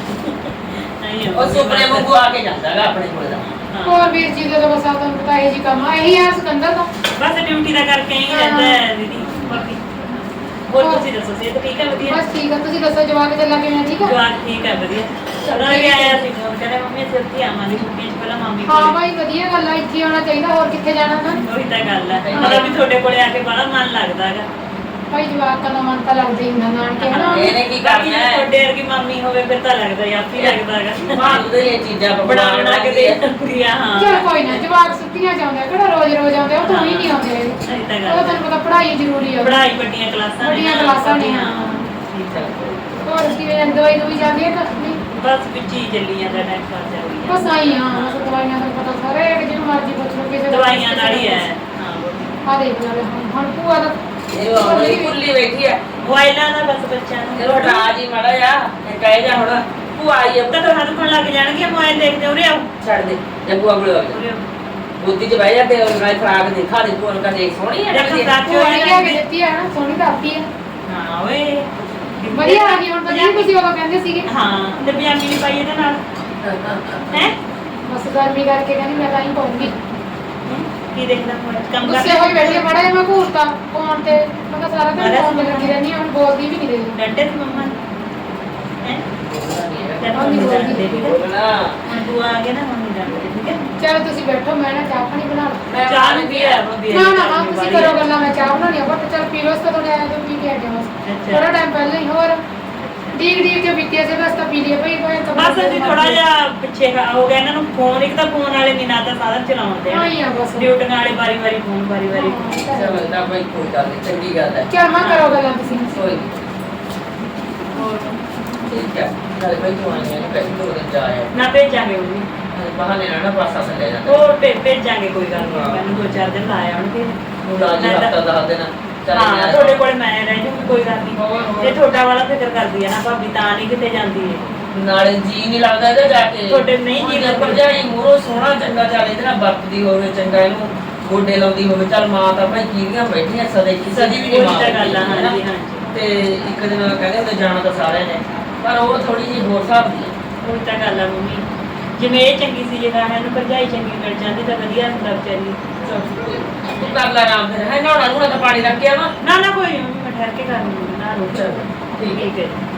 ਨਹੀਂ ਉਹ ਸੁਪਨੇ ਵਾਂਗੂ ਆ ਕੇ ਜਾਂਦਾਗਾ ਆਪਣੇ ਕੋਲ ਦਾ। ਹੋਰ ਵੀਰ ਜੀ ਦਾ ਤਾਂ ਬਸ ਆ ਤੁਹਾਨੂੰ ਪਤਾ ਇਹ ਜੀ ਕੰਮ ਆ ਇਹੀ ਆ ਸਿਕੰਦਰ ਦਾ। ਬਸ ਡਿਊਟੀ ਦਾ ਕਰਕੇ ਹੀ ਰਹਿੰਦਾ ਹੈ ਦੀਦੀ ਭਾਬੀ। ਹੋਰ ਤੁਸੀਂ ਦੱਸੋ ਸਿਹਤ ਠੀਕ ਹੈ? ਵਧੀਆ ਬਸ ਠੀਕ ਆ ਤੁਸੀਂ ਦੱਸੋ ਜਵਾਬ ਚੱਲਾ ਕਿਵੇਂ ਠੀਕ ਆ? ਜਵਾਨ ਠੀਕ ਹੈ ਵਧੀਆ। ਚਲੋ ਵੀ ਆਇਆ ਸੀ ਫੋਨ ਕਹਿੰਦੇ ਮੰਮੀ ਅਸੀਂ ਉੱਥੇ ਆਵਾਂਗੇ ਛੁੱਟੀਆਂ 'ਚ ਪਹਿਲਾਂ ਮਾਮੀ ਹਾਂ ਕੋਲ। ਭਾਈ ਵਧੀਆ ਗੱਲ ਆ ਇੱਥੇ ਆਉਣਾ ਚਾਹੀਦਾ ਹੋਰ ਕਿੱਥੇ ਜਾਣਾ ਨਾ। ਉਹੀ ਤਾਂ ਗੱਲ ਹੈ ਮਤਲਬ ਵੀ ਤੁਹਾਡੇ ਕੋਲੇ ਆ ਕੇ ਬੜਾ ਮਨ ਲੱਗਦਾ ਹੈਗਾ। ਭਾਈ ਜਵਾਬ ਦਾ ਮਨ ਤਾਂ ਲੱਗਦਾ ਹੀ ਹੁੰਦਾ ਨਾਨਕੇ ਹਨਾ। ਇਹਨੇ ਕੀ ਕਰਨਾ ਹੈ ਤੁਹਾਡੇ ਵਰਗੀ ਮਾਮੀ ਹੋਵੇ ਫਿਰ ਤਾਂ ਲੱਗਦਾ ਹੀ ਆਪੀ ਲੱਗਦਾ ਹੈਗਾ। ਮਾਂ ਦੇ ਇਹ ਚੀਜ਼ਾਂ ਬਣਾ ਬਣਾ ਕੇ ਦੇ ਦਿੰਦੀ ਆ। ਹਾਂ ਚਲ ਕੋਈ ਨਾ ਜਵਾਬ ਸੁੱਤੀਆਂ ਚਾਹੁੰਦੇ ਕਿਹੜਾ ਰੋਜ਼ ਰੋਜ਼ ਆਉਂਦੇ ਉਹ ਤਾਂ ਹੀ ਨਹੀਂ ਆਉਂਦੇ ਹੈਗੇ। ਸਹੀ ਤਾਂ ਉਹ ਗੱਲ ਤੁਹਾਨੂੰ ਪਤਾ ਪੜ੍ਹਾਈ ਜ਼ਰੂਰੀ ਆ। ਪੜ੍ਹਾਈ ਵੱਡੀਆਂ ਕਲਾਸਾਂ ਨੇ ਵੱਡੀਆਂ ਨਾ। ਕਲਾਸਾਂ ਨੇ ਹਾਂ। ਠੀਕ ਹੈ ਹੋਰ ਕਿਵੇਂ ਦਵਾਈ ਦੂਈ ਜਾਂਦੀ ਹੈ ਕਿ ਨਹੀਂ? ਬਸ ਵਿੱਚ ਹੀ ਚੱਲੀ ਜਾਂਦਾ ਟਾਈਮ ਪਾਸ ਚੱਲ ਰਹੀ ਬਸ ਆਈ ਹਾਂ ਬਸ ਦਵਾਈਆਂ ਦਾ ਪਤਾ ਸਾਰੇ ਜਿਹਨੂੰ ਮਰਜ਼ੀ ਪੁੱਛ ਲਓ ਕਿਸੇ ਦਾ ਦਵਾਈਆਂ ਨਾਲ ਹੀ ਹੈ ਹਾਂ ਆ ਦੇਖ ਲੈ ਹੁਣ ਭੂਆ ਦਾ ਇਹ ਆਪਣੀ ਕੁੱਲੀ ਬੈਠੀ ਆ ਮੋਬਾਈਲਾਂ ਦਾ ਬਸ ਬੱਚਿਆਂ ਨੂੰ ਇਹ ਹਟਾ ਜੀ ਮਾੜਾ ਜਾ ਇਹ ਕਹਿ ਜਾ ਹੁਣ ਭੂਆ ਆਈ ਆ ਤਾਂ ਤੁਹਾਨੂੰ ਕੋਲ ਲੱਗ ਜਾਣਗੇ ਮੋਬਾਈਲ ਦੇਖਦੇ ਉਰੇ ਆਓ ਛੱਡ ਦੇ ਜੇ ਭੂਆ ਕੋਲ ਆ ਉਰੇ ਆਓ ਬੁੱਧੀ ਚ ਬਹਿ ਜਾ ਤੇ ਉਹ ਨਾਲ ਫਰਾਕ ਦੇਖਾ ਦੇ ਭੂਆ ਨੂੰ ਕਹ ਦੇਖ ਸੋਹਣੀ ਹੈ ਦੇਖੋ ਲੱਗਦੀ ਸਾਥ ਭੂਆ ਨੇ ਲਿਆ ਕੇ ਦਿੱਤੀ ਹੈ ਨਾ ਸੋਹਣੀ ਤਾਂ ਆਪੀ ਹੈ ਹਾਂ ਓਏ ਵਧੀਆ ਆ ਗਈ ਹੁਣ ਤਾਂ ਜਿਹੜੀ ਤੁਸੀਂ ਉਦੋਂ ਕਹਿੰਦੇ ਸੀਗੇ ਹਾਂ ਤੇ ਪਜਾਮੀ ਵੀ ਪਾਈ ਇਹਦੇ ਨਾਲ ਹੈ ਬਸ ਗਰਮੀ ਕਰਕੇ ਕਹਿੰਦੀ ਮੈਂ ਤਾਂ ਹੀ ਪਾਉਂਗੀ ਕੀ ਦੇਖਦਾ ਹੁਣ ਕੰਮ ਗੁੱਸੇ ਕਰ ਹੋਈ ਬੈਠੀ ਮੜਾ ਜਿਹਾ ਮੈਂ ਘੂਰਤਾ ਫੋਨ ਤੇ ਮੈਂ ਕਿਹਾ ਸਾਰਾ ਦਿਨ ਫੋਨ ਤੇ ਲੱਗੀ ਰਹਿੰਦੀ ਹਾਂ, ਹੁਣ ਬੋਲਦੀ ਵੀ ਨਹੀਂ ਰਹੀ ਡੰਡੇ ਤੇ ਮੰਮਾ ਹੈ ਤੇ ਹੁਣ ਨਹੀਂ ਬੋਲਦੀ। ਬੋਲਣਾ ਤੂੰ ਆ ਗਿਆ ਨਾ ਹੁਣ ਨਹੀਂ ਡੰਡੇ ਠੀਕ ਹੈ ਚਲੋ ਤੁਸੀਂ ਬੈਠੋ ਮੈਂ ਨਾ ਚਾਹ ਪਾਣੀ ਬਣਾ ਲਾਂ ਚਾਹ ਨੂੰ ਕੀ ਹੈ ਬੰਦੀ ਨਾ ਨਾ ਹਾਂ ਤੁਸੀਂ ਕਰੋ ਗੱਲਾਂ ਮੈਂ ਚਾਹ ਬਣਾਉਣੀ ਆ ਬਟ ਚਲ ਪੀ ਲੋ ਉਸ ਤੋਂ ਥੋੜਾ ਆਇਆ ਤਾਂ ਪੀ ਕੇ ਆ ਗਿਆ ਬਸ ਅੱਛਾ। ਥੋੜਾ ਟਾਈਮ ਪਹਿਲਾਂ ਹੀ ਹੋਰ ਡੀਕ ਡੀਕ ਕੇ ਪੀਤੀ ਸੀ ਬਸ ਤਾਂ ਪੀ ਲਿਆ ਭਾਈ ਕੋਈ ਬਸ ਅਸੀਂ ਥੋੜਾ ਜਿਹਾ ਪਿੱਛੇ ਹੋ ਗਿਆ ਇਹਨਾਂ ਨੂੰ ਫੋਨ ਇੱਕ ਤਾਂ ਫੋਨ ਵਾਲੇ ਨਹੀਂ ਨਾ ਤਾਂ ਸਾਧਨ ਚਲਾਉਂਦੇ ਹਾਂ ਹੀ ਆ ਬਸ ਡਿਊਟੀਆਂ ਵਾਲੇ ਵਾਰੀ ਵਾਰੀ ਫੋਨ ਵਾਰੀ ਵਾਰੀ ਚੱਲਦਾ ਭਾਈ ਕੋਈ ਗੱਲ ਨਹੀਂ ਚੰਗੀ ਗੱਲ ਹੈ ਚਲ ਮੈਂ ਕਰੋ ਗੱਲਾਂ ਤੁਸੀਂ ਕੋਈ ਨੀ, ਹੋਰ ਠੀਕ ਹੈ ਨਾਲੇ ਭਾਈ ਤੂੰ ਆਈ ਹੈ ਪੈਸੇ ਦੋ ਦਿਨ ਜਾ ਆਇਆ ਨਾ ਭੇਜਾਂਗੇ ਉਹ ਵੀ ਬਹਾਨੇ ਨਾਲ ਨਾ ਪਾਸਾ ਥੱਲੇ ਜਾਂਦਾ ਉਹ ਭੇਜਾਂਗੇ ਕੋਈ ਗੱਲ ਨਹੀਂ ਮੈਨੂੰ 2-4 ਦਿਨ ਲਾਇਆ ਆਉਣਗੇ ਤੂੰ ਰਾਜੀ ਹਫਤਾ ਦੱਸ ਦੇਣਾ ਹਾਂ ਤੁਹਾਡੇ ਕੋਲ ਮੈਂ ਰਹਿ ਜੂਗੀ ਕੋਈ ਗੱਲ ਨਹੀਂ ਇਹ ਤੁਹਾਡਾ ਵਾਲਾ ਫਿਕਰ ਕਰਦੀ ਹੈ ਨਾ ਭਾਬੀ ਤਾਂ ਨਹੀਂ ਕਿਤੇ ਜਾਂਦੀ ਹੈ ਨਾਲੇ ਜੀ ਨਹੀਂ ਲੱਗਦਾ ਇਹਦੇ ਜਾ ਕੇ ਤੁਹਾਡੇ ਨਹੀਂ ਜੀ ਲੱਗਦਾ। ਭਰਜਾਈ ਮੂਹਰੋਂ ਸੋਹਣਾ ਚੰਗਾ ਚੱਲ ਇਹਦੇ ਨਾਲ ਵਰਤਦੀ ਹੋਵੇ ਚੰਗਾ ਇਹਨੂੰ ਗੋਡੇ ਲਾਉਂਦੀ ਹੋਵੇ ਚੱਲ ਮਾਂ ਤਾਂ ਭਾਈ ਕੀਰੀਆਂ ਬੈਠੀਆਂ ਸਦੇ ਕਿਸੇ ਦੀ ਵੀ ਨਹੀਂ ਮਾਂ ਉਹੀ ਤਾਂ ਗੱਲ ਆ, ਹੈ ਨਾ। ਹਾਂਜੀ, ਹਾਂਜੀ। ਤੇ ਇੱਕ ਦਿਨ ਕਹਿੰਦੇ ਹੁੰਦੇ ਜਾਣਾ ਤਾਂ ਸਾਰਿਆਂ ਨੇ ਪਰ ਉਹ ਥੋੜੀ ਜਿਹੀ ਹੋਰ ਹਿਸਾਬ ਦੀ ਹੈ। ਉਹ ਤਾਂ ਗੱਲ ਆ ਮੰਮੀ ਜਿਵੇਂ ਇਹ ਚੰਗੀ ਸੀ ਜੇ ਗਾਣਾ ਨੂੰ ਭਰਜਾਈ ਚੰਗੀ ਮਿਲ ਜਾਂਦੀ ਤਾਂ ਵਧੀਆ ਹੁੰਦਾ ਵਿਚਾਰੀ ਤੂੰ ਕਰ ਲੈ ਆਰਾਮ ਫਿਰ ਹੈ ਨਹਾਉਣਾ ਨੂੰ ਤਾਂ ਪਾਣੀ ਰੱਖ ਕੇ ਆਵਾਂ ਨਾ ਨਾ ਕੋਈ ਨੀ, ਮੰਮੀ ਮੈਂ ਠਹਿਰ ਕੇ ਕਰ ਲੂੰਗੀ ਨਾ ਰੋ ਚਲ ਠੀਕ ਹੈ ਠੀਕ ਹੈ